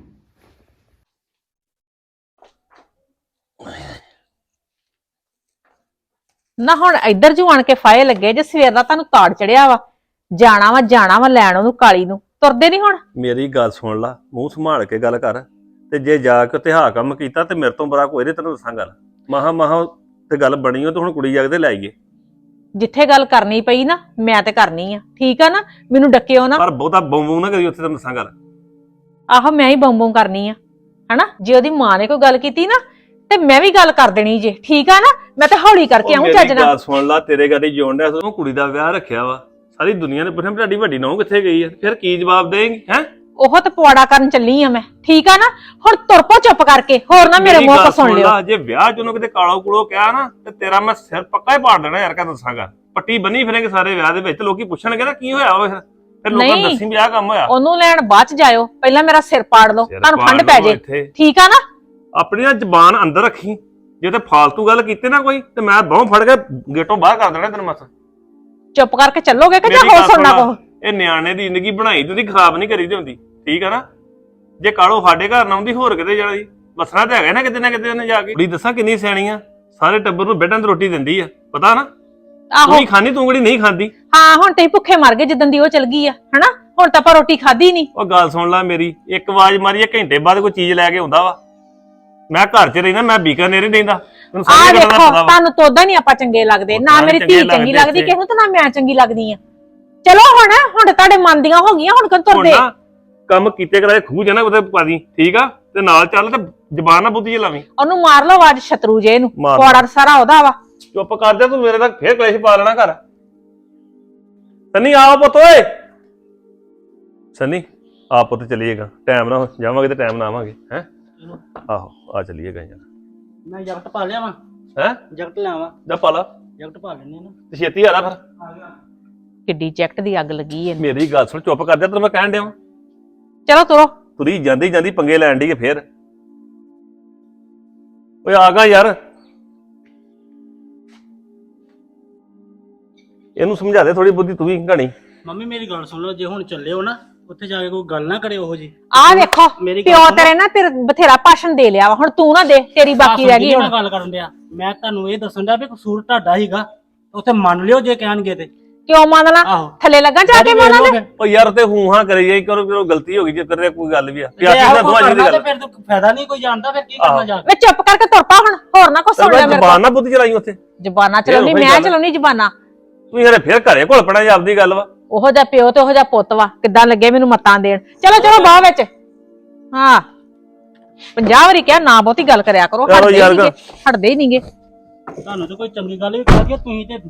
ਨਾ ਹੁਣ ਇੱਧਰ ਜੂ ਆਣ ਕੇ ਫਾਇ ਲੱਗੇ ਜੇ ਸਵੇਰ ਦਾ ਤੁਹਾਨੂੰ ਤਾੜ ਚੜਿਆ ਵਾ। ਜਾਣਾ ਵਾ ਲੈਣ ਉਹਨੂੰ ਕਾਲੀ ਨੂੰ। ਤੁਰਦੇ ਨਹੀਂ ਹੁਣ। ਮੇਰੀ ਗੱਲ ਸੁਣ ਲਾ, ਮੂੰਹ ਸੰਭਾਲ ਕੇ ਗੱਲ ਕਰ। ਤੇ ਜੇ ਜਾ ਕੇ ਉੱਥੇ ਹਾਂ ਕੰਮ ਕੀਤਾ ਤੇ ਮੇਰੇ ਤੋਂ ਬੁਰਾ ਕੋਈ ਨਹੀਂ। ਤੈਨੂੰ ਦੱਸਾਂ ਗੱਲ, ਮਹਾ ਤੇ ਗੱਲ ਬਣੀ ਹੋ ਤੇ ਹੁਣ ਕੁੜੀ ਜਾਗਦੇ ਲੈ ਆਈਏ। ਜਿੱਥੇ ਗੱਲ ਕਰਨੀ ਪਈ ਨਾ ਮੈਂ ਤੇ ਕਰਨੀ ਆ। ਠੀਕ ਆ ਨਾ। ਮੈਨੂੰ ਡੱਕਿਓ ਨਾ। ਪਰ ਬਹੁਤਾ ਬੌਂ ਨਾ ਕਰੀ ਉੱਥੇ। ਤੈਨੂੰ ਦੱਸਾਂ ਗੱਲ, ਆਹੋ ਮੈਂ ਹੀ ਬੰਬੋਂ ਕਰਨੀ ਆ ਹਨਾ। ਜੇ ਉਹਦੀ ਮਾਂ ਨੇ ਕੋਈ ਗੱਲ ਕੀਤੀ ਨਾ ਤੇ ਮੈਂ ਵੀ ਗੱਲ ਕਰ ਦੇਣੀ ਜੇ। ਠੀਕ ਆ ਨਾ। ਮੈਂ ਤਾਂ ਹੌਲੀ ਕਰਕੇ ਆਉਂ ਚੱਜ ਮੇਰੀ ਨਾਲ। ਗੱਲ ਸੁਣ ਲਾ, ਤੇਰੇ ਗਾੜੀ ਜੋਣ ਡਿਆ ਤੂੰ ਕੁੜੀ ਦਾ ਵਿਆਹ ਰੱਖਿਆ ਵਾ। ਸਾਰੀ ਦੁਨੀਆ ਨੇ ਪੁੱਛਿਆ ਤੁਹਾਡੀ ਵੱਡੀ ਨੂੰਹ ਕਿੱਥੇ ਗਈ ਆ। ਫਿਰ ਕੀ ਜਵਾਬ ਦੇਂਗੀ ਹੈ? ਉਹ ਤੇ ਪਵਾੜਾ ਕਰਨ ਚੱਲੀ ਆ ਮੈਂ। ਠੀਕ ਆ ਨਾ। ਹੁਣ ਤੁਰ ਪੋ ਚੁੱਪ ਕਰਕੇ। ਹੋਰ ਨਾ ਮੇਰੇ ਮੂੰਹ ਤੋਂ ਸੁਣ ਲਿਓ। ਜੇ ਵਿਆਹ ਚ ਉਹਨੂੰ ਕਿਤੇ ਕਾਲੋ ਕੂੜੋ ਕਿਹਾ ਨਾ ਤੇ ਤੇਰਾ ਮੈਂ ਸਿਰ ਪੱਕਾ ਹੀ ਪਾੜ ਦੇਣਾ ਯਾਰ। ਕਾ ਦੱਸਾਂਗਾ ਪੱਟੀ ਬੰਨੀ ਫਿਰੇਂਗੇ ਸਾਰੇ ਵਿਆਹ ਦੇ ਵਿੱਚ। ਲੋਕੀ ਪੁੱਛਣਗੇ ਨਾ ਕੀ ਹੋਇਆ ਵਾ। ਫਿਰ ਲੋਕਾਂ ਨੂੰ ਦੱਸੀ ਵੀ ਆਹ ਕੰਮ ਹੋਇਆ। ਉਹਨੂੰ ਲੈਣ ਬਾਅਦ ਚ ਜਾਇਓ। ਪਹਿਲਾਂ ਮੇਰਾ ਸਿਰ ਪਾੜ ਲਓ। ਤੁਹਾਨੂੰ ਠੰਡ ਪੈ ਜੇ। ਠੀਕ ਆ ਨਾ। ਆਪਣੀ ਨਾ ਜ਼ਬਾਨ ਅੰਦਰ ਰੱਖੀ। ਜੇ ਤੇ ਫਾਲਤੂ ਗੱਲ ਕੀਤੀ ਨਾ ਕੋਈ ਤੇ ਮੈਂ ਬਾਹੋਂ ਫੜ ਕੇ ਗੇਟੋਂ ਬਾਹਰ ਕਰ ਦੇਣਾ ਤੈਨੂੰ। ਮਸ ਚੁੱਪ ਕਰਕੇ ਚੱਲੋਗੇ ਕਿ ਜਾਂ ਹੋਰ ਸੁਣਨਾ ਕੋ? ਇਹ ਨਿਆਣੇ ਦੀ ਜ਼ਿੰਦਗੀ ਬਣਾਈ ਤੁਸੀਂ ਖਰਾਬ ਨਹੀਂ ਕਰੀਦੀ ਹੁੰਦੀ। ਠੀਕ ਆ ਨਾ। ਜੇ ਕਾਲੋ ਸਾਡੇ ਘਰ ਨਾ ਆਉਂਦੀ ਹੋਰ ਕਿਤੇ ਜਾਣੀ ਵਸਣਾ ਤੇ ਹੈਗਾ ਨਾ ਕਿਤੇ ਉਹਨੇ ਜਾ ਕੇ। ਕੁੜੀ ਦੱਸਾਂ ਕਿੰਨੀ ਸਿਆਣੀ ਆ। ਸਾਰੇ ਟੱਬਰ ਨੂੰ ਬੈਠਾਂ ਤੇ ਰੋਟੀ ਦਿੰਦੀ ਆ। ਪਤਾ ਨਾ। ਆਹੋ ਤੂੰ ਹੀ ਖਾਣੀ, ਤੂੰ ਕਿਹੜੀ ਨਹੀਂ ਖਾਂਦੀ। ਹਾਂ ਹੁਣ ਤੇ ਭੁੱਖੇ ਮਰ ਗਏ ਜਿੱਦਣ ਦੀ ਉਹ ਚਲ ਗਈ ਆ ਹਨਾ। ਹੁਣ ਤਾਂ ਆਪਾਂ ਰੋਟੀ ਖਾਧੀ ਨਹੀਂ। ਉਹ ਗੱਲ ਸੁਣ ਲੈ ਮੇਰੀ, ਇੱਕ ਆਵਾਜ਼ ਮਾਰੀ ਘੰਟੇ ਬਾਅਦ ਕੋਈ ਚੀਜ਼ ਲੈ ਕੇ ਆਉਂਦਾ ਵਾ। ਮੈਂ ਘਰ 'ਚ ਰਹਿਣਾ, ਮੈਂ ਬੀਕਾਨੇਰ ਹੀ ਰਹਿੰਦਾ। ਤੈਨੂੰ ਆਹ ਸਾਰੀ ਗੱਲ ਦੇਖੋ ਦਾ ਪਤਾ ਵਾ। ਤੁਹਾਨੂੰ ਤਾਂ ਉਦਾਂ ਨਹੀਂ ਆਪਾਂ ਚੰਗੇ ਲੱਗਦੇ। ਨਾ ਮੇਰੀ ਧੀ ਚੰਗੀ ਲੱਗਦੀ ਕਿਸੇ ਨੂੰ ਤੇ ਨਾ ਮੈਂ ਚੰਗੀ ਲੱਗਦੀ ਆ। ਚਲੋ ਹੁਣ ਤੁਹਾਡੇ ਮਨ ਦੀਆਂ ਹੋ ਗਈਆਂ। ਹੁਣ ਕਦੋਂ ਤੁਰਦੇ? ਹੁਣ ਨਾ ਕੰਮ ਕੀਤੇ ਕਰਾਏ ਖੂਹ ਜਨਾ ਉਹਦੇ ਪਾ ਦੀ। ਠੀਕ ਆ। ਤੇ ਨਾਲ ਚੱਲ ਤੇ ਜ਼ਬਾਨ ਨਾ ਬੁੱਧੀ ਲਾਵੀਂ। ਉਹਨੂੰ ਮਾਰ ਲਓ ਆਵਾਜ਼ ਸ਼ਤਰੂ ਜੇ ਇਹਨੂੰ। ਮਾਰ ਲਓ। ਪੌੜਾ ਸਾਰਾ ਉਹਦਾ ਵਾ। ਚੁੱਪ ਕਰ ਜਾ ਤੂੰ। ਮੇਰੇ ਤੱਕ ਫੇਰ ਕਲੇਸ਼ ਪਾ ਲੈਣਾ ਘਰ। ਸੰਨੀ ਆਓ ਪੁੱਤ ਓਏ। ਸੰਨੀ ਆ ਪੁੱਤ ਚਲੀਏਗਾ। ਟਾਈਮ ਨਾਲ ਜਾਵਾਂਗੇ ਤੇ ਟਾਈਮ ਨਾਲ ਆਵਾਂਗੇ। ਹੈ ਆਹੋ ਆ ਚਲੀਏਗਾ ਯਾਰ। ਮੈਂ ਜੈਕਟ ਪਾ ਲਿਆ ਵਾ। ਹੈ ਜੈਕਟ ਲਿਆਵਾਂ। ਜਾ ਪਾ ਲਾ। ਜੈਕਟ ਪਾ ਲੈਣੇ ਨਾ। ਤੇ ਛੇਤੀ ਆ ਲੈ ਫਿਰ। ਕਿੱਡੀ ਜੈਕਟ ਦੀ ਅੱਗ ਲੱਗੀ ਇਹਨੂੰ। ਮੇਰੀ ਗੱਲ ਸੁਣ, ਚੁੱਪ ਕਰ ਜਾ, ਤੈਨੂੰ ਮੈਂ ਕਹਿਣ ਡਿਆ ਵਾਂ। ਚਲੋ ਤੁਰੋ। ਤੁਰੀ ਜਾਂਦੀ ਜਾਂਦੀ ਪੰਗੇ ਲੈਣ ਡਈ ਫੇਰ। ਓਏ ਆ ਗਾ ਯਾਰ, ਇਹਨੂੰ ਸਮਝਾ ਦੇ ਥੋੜੀ ਬੁੱਧੀ, ਤੂੰ ਵੀ ਘਣੀ। ਮੰਮੀ ਮੇਰੀ ਗੱਲ ਸੁਣ ਲਓ, ਜੇ ਹੁਣ ਚੱਲੇ ਹੋ ਨਾ ਉੱਥੇ ਜਾ ਕੇ ਕੋਈ ਗੱਲ ਨਾ ਕਰੇ ਉਹੋ ਜੀ। ਆਹ ਵੇਖੋ ਮੇਰੀ ਗੱਲ ਪਿਓ ਸੁਣੋ। ਤੇਰੇ ਨਾ ਫਿਰ ਬਥੇਰਾ ਭਾਸ਼ਣ ਦੇ ਲਿਆ ਵਾ, ਹੁਣ ਤੂੰ ਨਾ ਦੇ, ਤੇਰੀ ਬਾਕੀ ਰਹਿ ਗਈ ਮੈਂ ਹੁਣ। ਗੱਲ ਕਰਨ ਡਿਆ, ਮੈਂ ਤੁਹਾਨੂੰ ਇਹ ਦੱਸਣ ਡਿਆ ਵੀ ਕਸੂਰ ਤੁਹਾਡਾ ਹੀਗਾ, ਉੱਥੇ ਮੰਨ ਲਿਓ ਜੇ ਕਹਿਣਗੇ ਤੇ। ਕਿਉਂ ਮੰਨਣਾ? ਆਹੋ ਥੱਲੇ ਲੱਗਾ ਜਾ ਕੇ ਮੰਨ ਲੈ। ਓ ਯਾਰ ਤੇ ਹੂੰ ਹਾਂ ਕਰੀ ਜਾਈ, ਕਰੋ ਗਲਤੀ ਹੋ ਗਈ ਜੇ ਕਰੇ ਕੋਈ ਗੱਲ ਵੀ ਆ ਜੇ ਪਿਆਰ ਇਹੋ ਨਾਲ ਦੋਵਾਂ ਜੀ ਦੀ ਕਰਨਾ ਤੇ ਗੱਲ। ਫਿਰ ਤਾਂ ਫਾਇਦਾ ਨਹੀਂ ਕੋਈ ਜਾਣਦਾ, ਫਿਰ ਕੀ ਕਰਨਾ ਜਾ ਕੇ। ਮੈਂ ਚੁੱਪ ਕਰਕੇ ਤੁਰ ਪਾ ਹੁਣ, ਹੋਰ ਨਾ ਕੁਛ ਸੁਣ ਲੈ ਮੇਰੇ ਜ਼ਬਾਨ ਕੋਲ। ਨਾ ਬੁੱਧੀ ਚਲਾਈ ਉੱਥੇ, ਜ਼ਬਾਨਾਂ ਚਲਾਉਣੀ ਉਹੀ ਮੈਂ ਗੱਲ। ਚਲਾਉਣੀ ਜ਼ਬਾਨਾਂ। ਤੂੰ ਯਾਰ ਫੇਰ ਘਰੇ ਘੁਲ ਪਣਾ ਜਾਂ ਆਪਦੀ ਗੱਲ ਵਾ। ਉਹੋ ਜਿਹਾ ਪਿਓ ਤੇ ਉਹੋ ਜਿਹਾ ਪੁੱਤ ਵਾ, ਕਿੱਦਾਂ ਲੱਗੇ ਮੈਨੂੰ ਮਤਾਂ ਦੇਣ। ਚਲੋ ਚਲੋ ਬਾਹ ਵਿੱਚ। ਹਾਂ 50 ਵਾਰੀ ਕਿਹਾ ਨਾ ਬਹੁਤੀ ਗੱਲ ਕਰਿਆ ਕਰੋ, ਚਲੋ ਹਟਦੇ ਯਾਰ ਹੀ ਨਹੀਂਗੇ, ਹਟਦੇ ਹੀ ਨਹੀਂਗੇ। ਤੁਹਾਨੂੰ ਤਾਂ ਕੋਈ ਚੰਗੀ ਗੱਲ ਵੀ ਕਹਿ ਦਿਆ ਤੁਸੀਂ ਤੇ।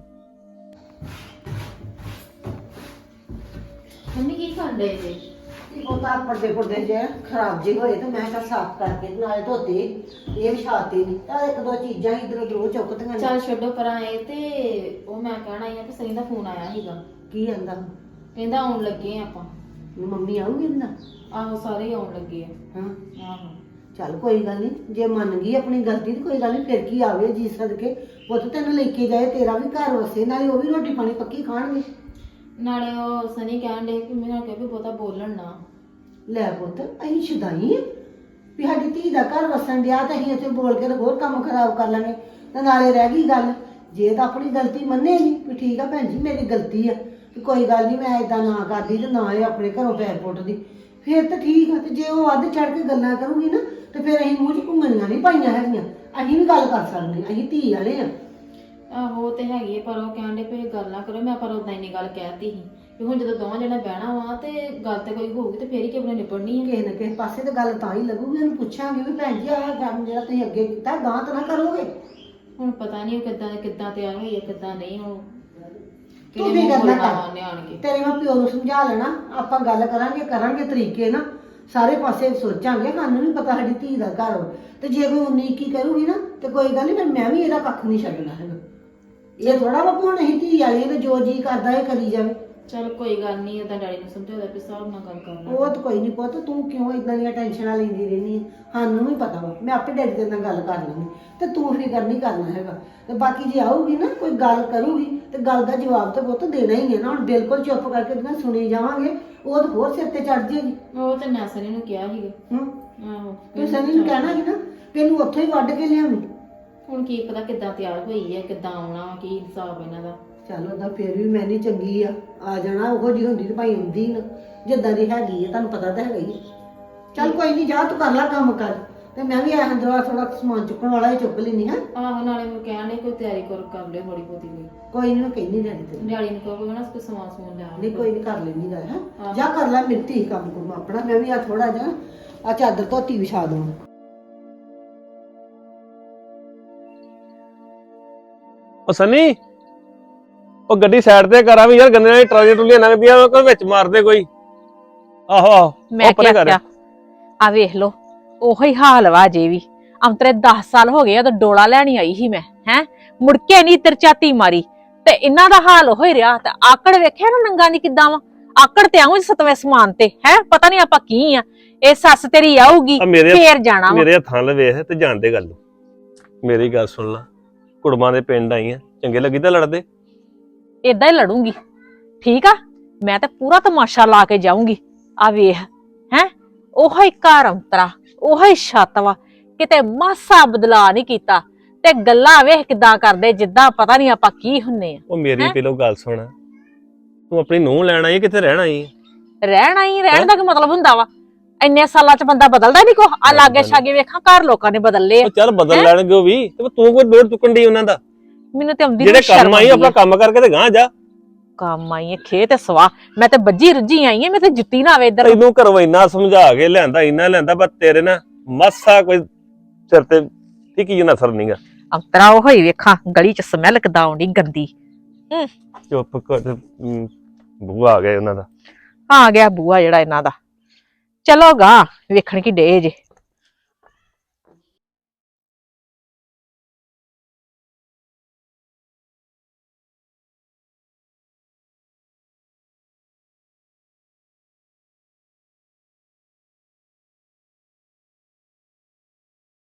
ਮੰਮੀ ਕੀ ਕਰਦੇ ਜੇ? ਉਹ ਤਾਂ ਪਰਦੇ ਜੇ ਖਰਾਬ ਜੇ ਹੋਏ ਤੇ ਮੈਂ ਕਿਹਾ ਸਾਫ਼ ਕਰਕੇ ਤੇ ਨਾਲੇ ਧੋਤੇ, ਇਹ ਵਿਛਾਤੇ ਨਹੀਂ ਤਾਂ ਇੱਕ ਦੋ ਚੀਜ਼ਾਂ ਇਧਰ ਉਧਰ ਉਹ ਚੁੱਕਦੀਆਂ ਨੇ। ਚੱਲ ਛੱਡੋ ਪਰਾਂ ਇਹ ਤੇ ਉਹ ਮੈਂ ਕਹਿਣਾ ਹੀ ਆ ਕਿ ਸਨੀ ਦਾ ਫੋਨ ਆਇਆ ਸੀਗਾ, ਕੀ ਕਹਿੰਦਾ ਕਹਿੰਦਾ ਆਉਣ ਲੱਗੇ ਆ ਆਪਾਂ। ਮੰਮੀ ਆਊਗੀ ਨਾ? ਆਹੋ ਸਾਰੇ ਹੀ ਆਉਣ ਲੱਗੇ ਆ। ਹਾਂ ਆਹੋ ਚੱਲ ਕੋਈ ਗੱਲ ਨਹੀਂ, ਜੇ ਮੰਨ ਗਈ ਆਪਣੀ ਗਲਤੀ ਤੇ ਕੋਈ ਗੱਲ ਨਹੀਂ, ਫਿਰ ਕੀ ਆਵੇ ਜੀ ਸਦਕੇ ਪੁੱਤ ਤੈਨੂੰ ਲੈ ਕੇ ਜਾਏ, ਤੇਰਾ ਵੀ ਘਰ ਵਸੇ, ਨਾਲੇ ਉਹ ਵੀ ਰੋਟੀ ਪਾਣੀ ਪੱਕੀ ਖਾਣਗੇ। ਨਾਲੇ ਉਹ ਸਨੀ ਕਹਿਣ ਡੇ ਕਿ ਮੈਂ ਕਿਹਾ ਵੀ ਬਹੁਤਾ ਬੋਲਣ ਨਾ। ਲੈ ਪੁੱਤ ਅਸੀਂ ਸ਼ੁਦਾਈ ਆ ਵੀ ਸਾਡੀ ਧੀ ਦਾ ਘਰ ਵਸਣ ਡਿਆ ਤੇ ਅਸੀਂ ਇੱਥੇ ਬੋਲ ਕੇ ਤੇ ਹੋਰ ਕੰਮ ਖਰਾਬ ਕਰ ਲਾਂਗੇ। ਤੇ ਨਾਲੇ ਰਹਿ ਗਈ ਗੱਲ, ਜੇ ਤਾਂ ਆਪਣੀ ਗਲਤੀ ਮੰਨੇ ਨਹੀਂ ਵੀ ਠੀਕ ਆ ਭੈਣ ਜੀ ਮੇਰੀ ਗਲਤੀ ਆ ਕਿ ਕੋਈ ਗੱਲ ਨਹੀਂ ਮੈਂ ਇਦਾਂ ਨਾ ਕਰਦੀ ਤੇ ਨਾ ਇਹ ਆਪਣੇ ਘਰੋਂ ਪੈਰ ਪੁੱਟਦੀ, ਫਿਰ ਤਾਂ ਠੀਕ ਆ। ਤੇ ਜੇ ਉਹ ਅੱਧ ਚੜ ਕੇ ਗੱਲਾਂ ਕਰੂਗੀ ਨਾ ਤੇ ਫਿਰ ਅਸੀਂ ਮੂੰਹ 'ਚ ਘੁੰਗਣੀਆਂ ਨਹੀਂ ਪਾਈਆਂ ਹੈਗੀਆਂ, ਅਸੀਂ ਵੀ ਗੱਲ ਕਰ ਸਕਦੇ, ਅਸੀਂ ਧੀ ਵਾਲੇ ਆ। ਆਹੋ ਉਹ ਤੇ ਹੈਗੀ ਆ, ਪਰ ਉਹ ਕਹਿਣ ਡੇ ਵੀ ਗੱਲ ਨਾ ਕਰੋ। ਮੈਂ ਪਰ ਉਦਾਂ ਇੰਨੀ ਗੱਲ ਕਹਿਤੀ ਸੀ ਵੀ ਹੁਣ ਜਦੋਂ ਦੋਵਾਂ ਜਣੇ ਬਹਿਣਾ ਵਾ ਤੇ ਗੱਲ ਤੇ ਕੋਈ ਹੋਊਗੀ ਤੇ ਫੇਰ ਹੀ ਕਿਵੇਂ ਨਿਬੜਨੀ ਆ। ਕਿਸੇ ਨਾ ਕਿਸੇ ਪਾਸੇ ਤੇ ਗੱਲ ਤਾਂ ਹੀ ਲੱਗੂਗੀ, ਉਹਨੂੰ ਪੁੱਛਾਂਗੇ ਵੀ ਭੈਣ ਜੀ ਆਹ ਕੰਮ ਜਿਹੜਾ ਤੁਸੀਂ ਅੱਗੇ ਕੀਤਾ ਗਾਂ ਤਾਂ ਨਾ ਕਰੋਗੇ। ਹੁਣ ਪਤਾ ਨਹੀਂ ਉਹ ਕਿੱਦਾਂ ਤਿਆਰ ਹੋਈ ਆ ਕਿੱਦਾਂ ਨਹੀਂ। ਉਹ ਤੂੰ ਵੀ ਕਰਨਾ ਕਰ, ਉਹਨੇ ਆਣ ਕੇ ਤੇਰੇ ਮੈਂ ਪਿਓ ਨੂੰ ਸਮਝਾ ਲੈਣਾ, ਆਪਾਂ ਗੱਲ ਕਰਾਂਗੇ ਤਰੀਕੇ ਨਾ, ਸਾਰੇ ਪਾਸੇ ਸੋਚਾਂਗੇ। ਸਾਨੂੰ ਵੀ ਪਤਾ ਸਾਡੀ ਧੀ ਦਾ ਘਰ ਵਾ, ਤੇ ਜੇ ਕੋਈ 19-21 ਕਰੂਗੀ ਨਾ ਤੇ ਕੋਈ ਗੱਲ ਨਹੀਂ, ਫਿਰ ਮੈਂ ਵੀ ਇਹਦਾ ਕੱਖ ਨਹੀਂ ਛੱਡਣਾ ਹੈਗਾ। ਇਹ ਥੋੜਾ ਵਾ ਹੁਣ ਅਸੀਂ ਧੀ ਵਾਲੀ ਤੇ ਜੋ ਜੀ ਕਰਦਾ ਇਹ ਕਰੀ ਜਾਵੇ। ਚਲ ਕੋਈ ਗੱਲ ਨਹੀਂ, ਉਹਦਾ ਡੈਡੀ ਨੂੰ ਸਮਝਾਉਂਦਾ ਵੀ ਹਿਸਾਬ ਨਾਲ ਗੱਲ ਕਰਨਾ। ਉਹ ਤਾਂ ਕੋਈ ਨਹੀਂ ਪੁੱਤ, ਤੂੰ ਕਿਉਂ ਇਦਾਂ ਦੀਆਂ ਟੈਨਸ਼ਨਾਂ ਲੈਂਦੀ ਰਹਿੰਦੀ ਹੈ? ਸਾਨੂੰ ਵੀ ਪਤਾ ਵਾ, ਮੈਂ ਆਪੇ ਡੈਡੀ ਦੇ ਨਾਲ ਗੱਲ ਕਰ ਲਾਂਗੀ ਤੇ ਤੂੰ ਫਿਕਰ ਨਹੀਂ ਕਰਨਾ ਹੈਗਾ। ਤੇ ਬਾਕੀ ਜੇ ਆਊਗੀ ਨਾ ਕੋਈ ਗੱਲ ਕਰੂਗੀ ਤੇ ਗੱਲ ਦਾ ਜਵਾਬ ਤਾਂ ਪੁੱਤ ਦੇਣਾ ਹੀ ਹੈ ਨਾ। ਹੁਣ ਬਿਲਕੁਲ ਚੁੱਪ ਕਰਕੇ ਉਹਦੀਆਂ ਸੁਣੀ ਜਾਵਾਂਗੇ, ਉਹ ਤਾਂ ਹੋਰ ਸਿਰ ਤੇ ਚੜ ਜਾਏਗੀ। ਉਹ ਤੇ ਮੈਂ ਸਨੀ ਨੂੰ ਕਿਹਾ ਸੀਗਾ। ਆਹੋ ਤੂੰ ਸਨੀ ਨੂੰ ਕਹਿਣਾ ਸੀ ਨਾ ਕਿ ਇਹਨੂੰ ਉੱਥੋਂ ਹੀ ਵੱਢ ਕੇ ਲਿਆਵੀਂ। ਹੁਣ ਕੀ ਪਤਾ ਕਿੱਦਾਂ ਤਿਆਰ ਹੋਈ ਹੈ, ਕਿੱਦਾਂ ਆਉਣਾ, ਕੀ ਹਿਸਾਬ ਇਹਨਾਂ ਦਾ। ਚੱਲ ਉਹਦਾ ਫਿਰ ਵੀ ਮੈਂ ਨਹੀਂ ਚੰਗੀ ਆ ਜਾਣਾ, ਉਹੋ ਜਿਹੀ ਹੁੰਦੀ ਤੇ ਭਾਈ ਆਉਂਦੀ ਨਾ, ਜਿੱਦਾਂ ਦੀ ਹੈਗੀ ਹੈ ਤੁਹਾਨੂੰ ਪਤਾ ਤਾਂ ਹੈਗਾ ਹੀ। ਚੱਲ ਕੋਈ ਨਹੀਂ, ਜਾ ਤੂੰ ਕਰ ਲੈ ਕੰਮ ਕਰ, ਤੇ ਮੈਂ ਵੀ ਆਹ ਅੰਦਰੋਂ ਥੋੜਾ ਸਮਾਨ ਚੁੱਕਣ ਵਾਲਾ ਹੀ ਚੁੱਕ ਲੈਣੀ ਹੈ। ਆਹੋ ਨਾਲੇ ਮੈਂ ਕਹਿਣ ਡਈ ਕੋਈ ਤਿਆਰੀ ਕਰ ਲਿਓ ਥੋੜੀ ਬਹੁਤੀ ਕੋਈ ਨਹੀਂ, ਮੈਂ ਕਹਿੰਦੀ ਰਹਿਣੀ ਤੈਨੂੰ। ਡੈਡੀ ਨੂੰ ਕਹੋ ਨਾ ਕੋਈ ਸਮਾਨ ਸਮੂਨ ਲੈ ਆਉਣ। ਨਹੀਂ ਕੋਈ ਨਹੀਂ, ਕਰ ਲੈਣੀ ਗੱਲ ਹੈ। ਜਾ ਕਰ ਲੈ ਮਿੱਟੀ ਕੰਮ ਕੁਮ ਆਪਣਾ, ਮੈਂ ਵੀ ਆ ਥੋੜਾ ਜਿਹਾ ਆ ਚਾਦਰ ਧੋਤੀ ਵਿਛਾ ਦਵਾਂ। ਉਹ ਸਨੀ, ਉਹ ਗੱਡੀ ਸਾਈਡ ਤੇ ਕਰਾਂ ਵੀ ਯਾਰ, ਗੰਨੇ ਵਾਲੀ ਟਰਾਲੀ ਟੁਲੀਆਂ ਲੰਘਦੀਆਂ ਉਹ ਕੋਈ ਵਿੱਚ ਮਾਰਦੇ ਕੋਈ। ਆਹੋ ਮੈਂ ਉਹ ਪਰੇ ਕਰ। ਕਿਹਾ ਆ ਵੇਖ ਲੋ ਉਹੀ ਹਾਲ ਵਾ ਜੇ ਵੀ। ਅੰਤਰੇ 10 ਸਾਲ ਹੋ ਗਏ ਉਦੋਂ ਡੋਲਾ ਲੈਣੀ ਆਈ ਸੀ ਮੈਂ, ਹੈ ਮੁੜ ਕੇ ਨਹੀਂ ਤਰਚਾਤੀ ਮਾਰੀ ਤੇ ਇਹਨਾਂ ਦਾ ਹਾਲ ਹੋਈ ਰਿਹਾ। ਤੇ ਆਕੜ ਵੇਖਿਆ ਨਾ ਨੰਗਾ ਦੀ ਕਿੱਦਾਂ ਵਾ, ਆਕੜ ਤੇ ਆਉਂ 7ਵੇਂ ਸਮਾਨ ਤੇ ਹੈ, ਪਤਾ ਨਹੀਂ ਆਪਾਂ ਕੀ ਆ। ਇਹ ਸੱਸ ਤੇਰੀ ਆਊਗੀ ਫੇਰ ਜਾਣਾ ਵਾ। ਮੇਰੇ ਹੱਥਾਂ ਲ ਵੇਖ ਤੇ ਜਾਣਦੇ ਗੱਲ। ਮੇਰੀ ਗੱਲ ਸੁਣ ਲਾ, ਕੁੜਮਾਂ ਦੇ ਪਿੰਡ ਆਈ ਆ, ਚੰਗੇ ਲੱਗੀ ਤਾਂ ਲੜਦੇ। ਏਦਾਂ ਹੀ ਲੜੂੰਗੀ, ਠੀਕ ਆ। ਮੈਂ ਤੇ ਪੂਰਾ ਤਮਾਸ਼ਾ ਲਾ ਕੇ ਜਾਊਂਗੀ। ਆ ਵੇਖ ਹੈ, ਉਹੋ ਹੀ ਘਰ ਅੰਤਰਾ, ਉਹੋ ਹੀ ਛੱਤ ਵਾ, ਕਿਤੇ ਮਾਸਾ ਬਦਲਾ ਨਹੀਂ ਕੀਤਾ। ਤੇ ਗੱਲਾਂ ਵੇਖ ਕਿੱਦਾਂ ਕਰਦੇ, ਜਿੱਦਾਂ ਪਤਾ ਨਹੀਂ ਆਪਾਂ ਕੀ ਹੁੰਨੇ ਆ। ਉਹ ਮੇਰੀ ਪਹਿਲੋਂ ਗੱਲ ਸੁਣ, ਤੂੰ ਆਪਣੀ ਨੂੰਹ ਲੈਣ ਆਈ ਕਿੱਥੇ ਰਹਿਣ ਆਈ? ਰਹਿਣ ਦਾ ਕੀ ਮਤਲਬ ਹੁੰਦਾ ਵਾ? ਇੰਨੇ ਸਾਲਾਂ ਚ ਬੰਦਾ ਬਦਲਦਾ ਨਹੀਂ ਕੋ। ਆ ਲਾਗੇ ਛਾਗੇ ਵੇਖਾਂ ਘਰ ਲੋਕਾਂ ਨੇ ਬਦਲ ਲਏ ਆ। ਚੱਲ ਬਦਲ ਲੈਣਗੇ ਉਹ ਵੀ, ਤੇ ਤੂੰ ਕੋਈ ਲੋੜ ਚੁੱਕਣ ਦੀ ਉਹਨਾਂ ਦਾ। ਮੈਨੂੰ ਤੇ ਆਉਂਦੀ ਜਿਹੜੇ ਕੰਮ ਆਈ ਆਪਣਾ ਕੰਮ ਕਰਕੇ ਤੇ ਗਾਂ ਜਾ। ਕੰਮ ਆਈ ਖੇ ਤੇ ਸਵਾ, ਮੈਂ ਤੇ ਬੱਜੀ ਰੁੱਜੀ ਆਈ ਆ, ਮੈਂ ਤੇ ਜੁੱਤੀ ਨਾ ਆਵੇ ਇੱਧਰ। ਤੈਨੂੰ ਘਰੋਂ ਇੰਨਾ ਸਮਝਾ ਕੇ ਲਿਆਂਦਾ, ਇੰਨਾ ਲਿਆਂਦਾ, ਪਰ ਤੇਰੇ ਨਾ ਮਾਸਾ ਕੋਈ ਸਿਰ ਤੇ ਟਿਕੀ ਨਾ ਅਸਰ ਨਹੀਂਗਾ। ਅੰਤਰਾ ਉਹ ਹੀ ਵੇਖਾਂ ਗਲੀ ਚ ਸਮੈਲ ਕਿੱਦਾਂ ਆਉਂਦੀ ਗੰਦੀ। ਚੁੱਪ ਕਰ, ਬੂਆ ਆ ਗਿਆ ਉਹਨਾਂ ਦਾ। ਆ ਗਿਆ ਬੂਆ ਜਿਹੜਾ ਇਹਨਾਂ ਦਾ। ਚਲੋ ਗਾ ਵੇਖਣ ਕੀ ਡੇ ਜੇ।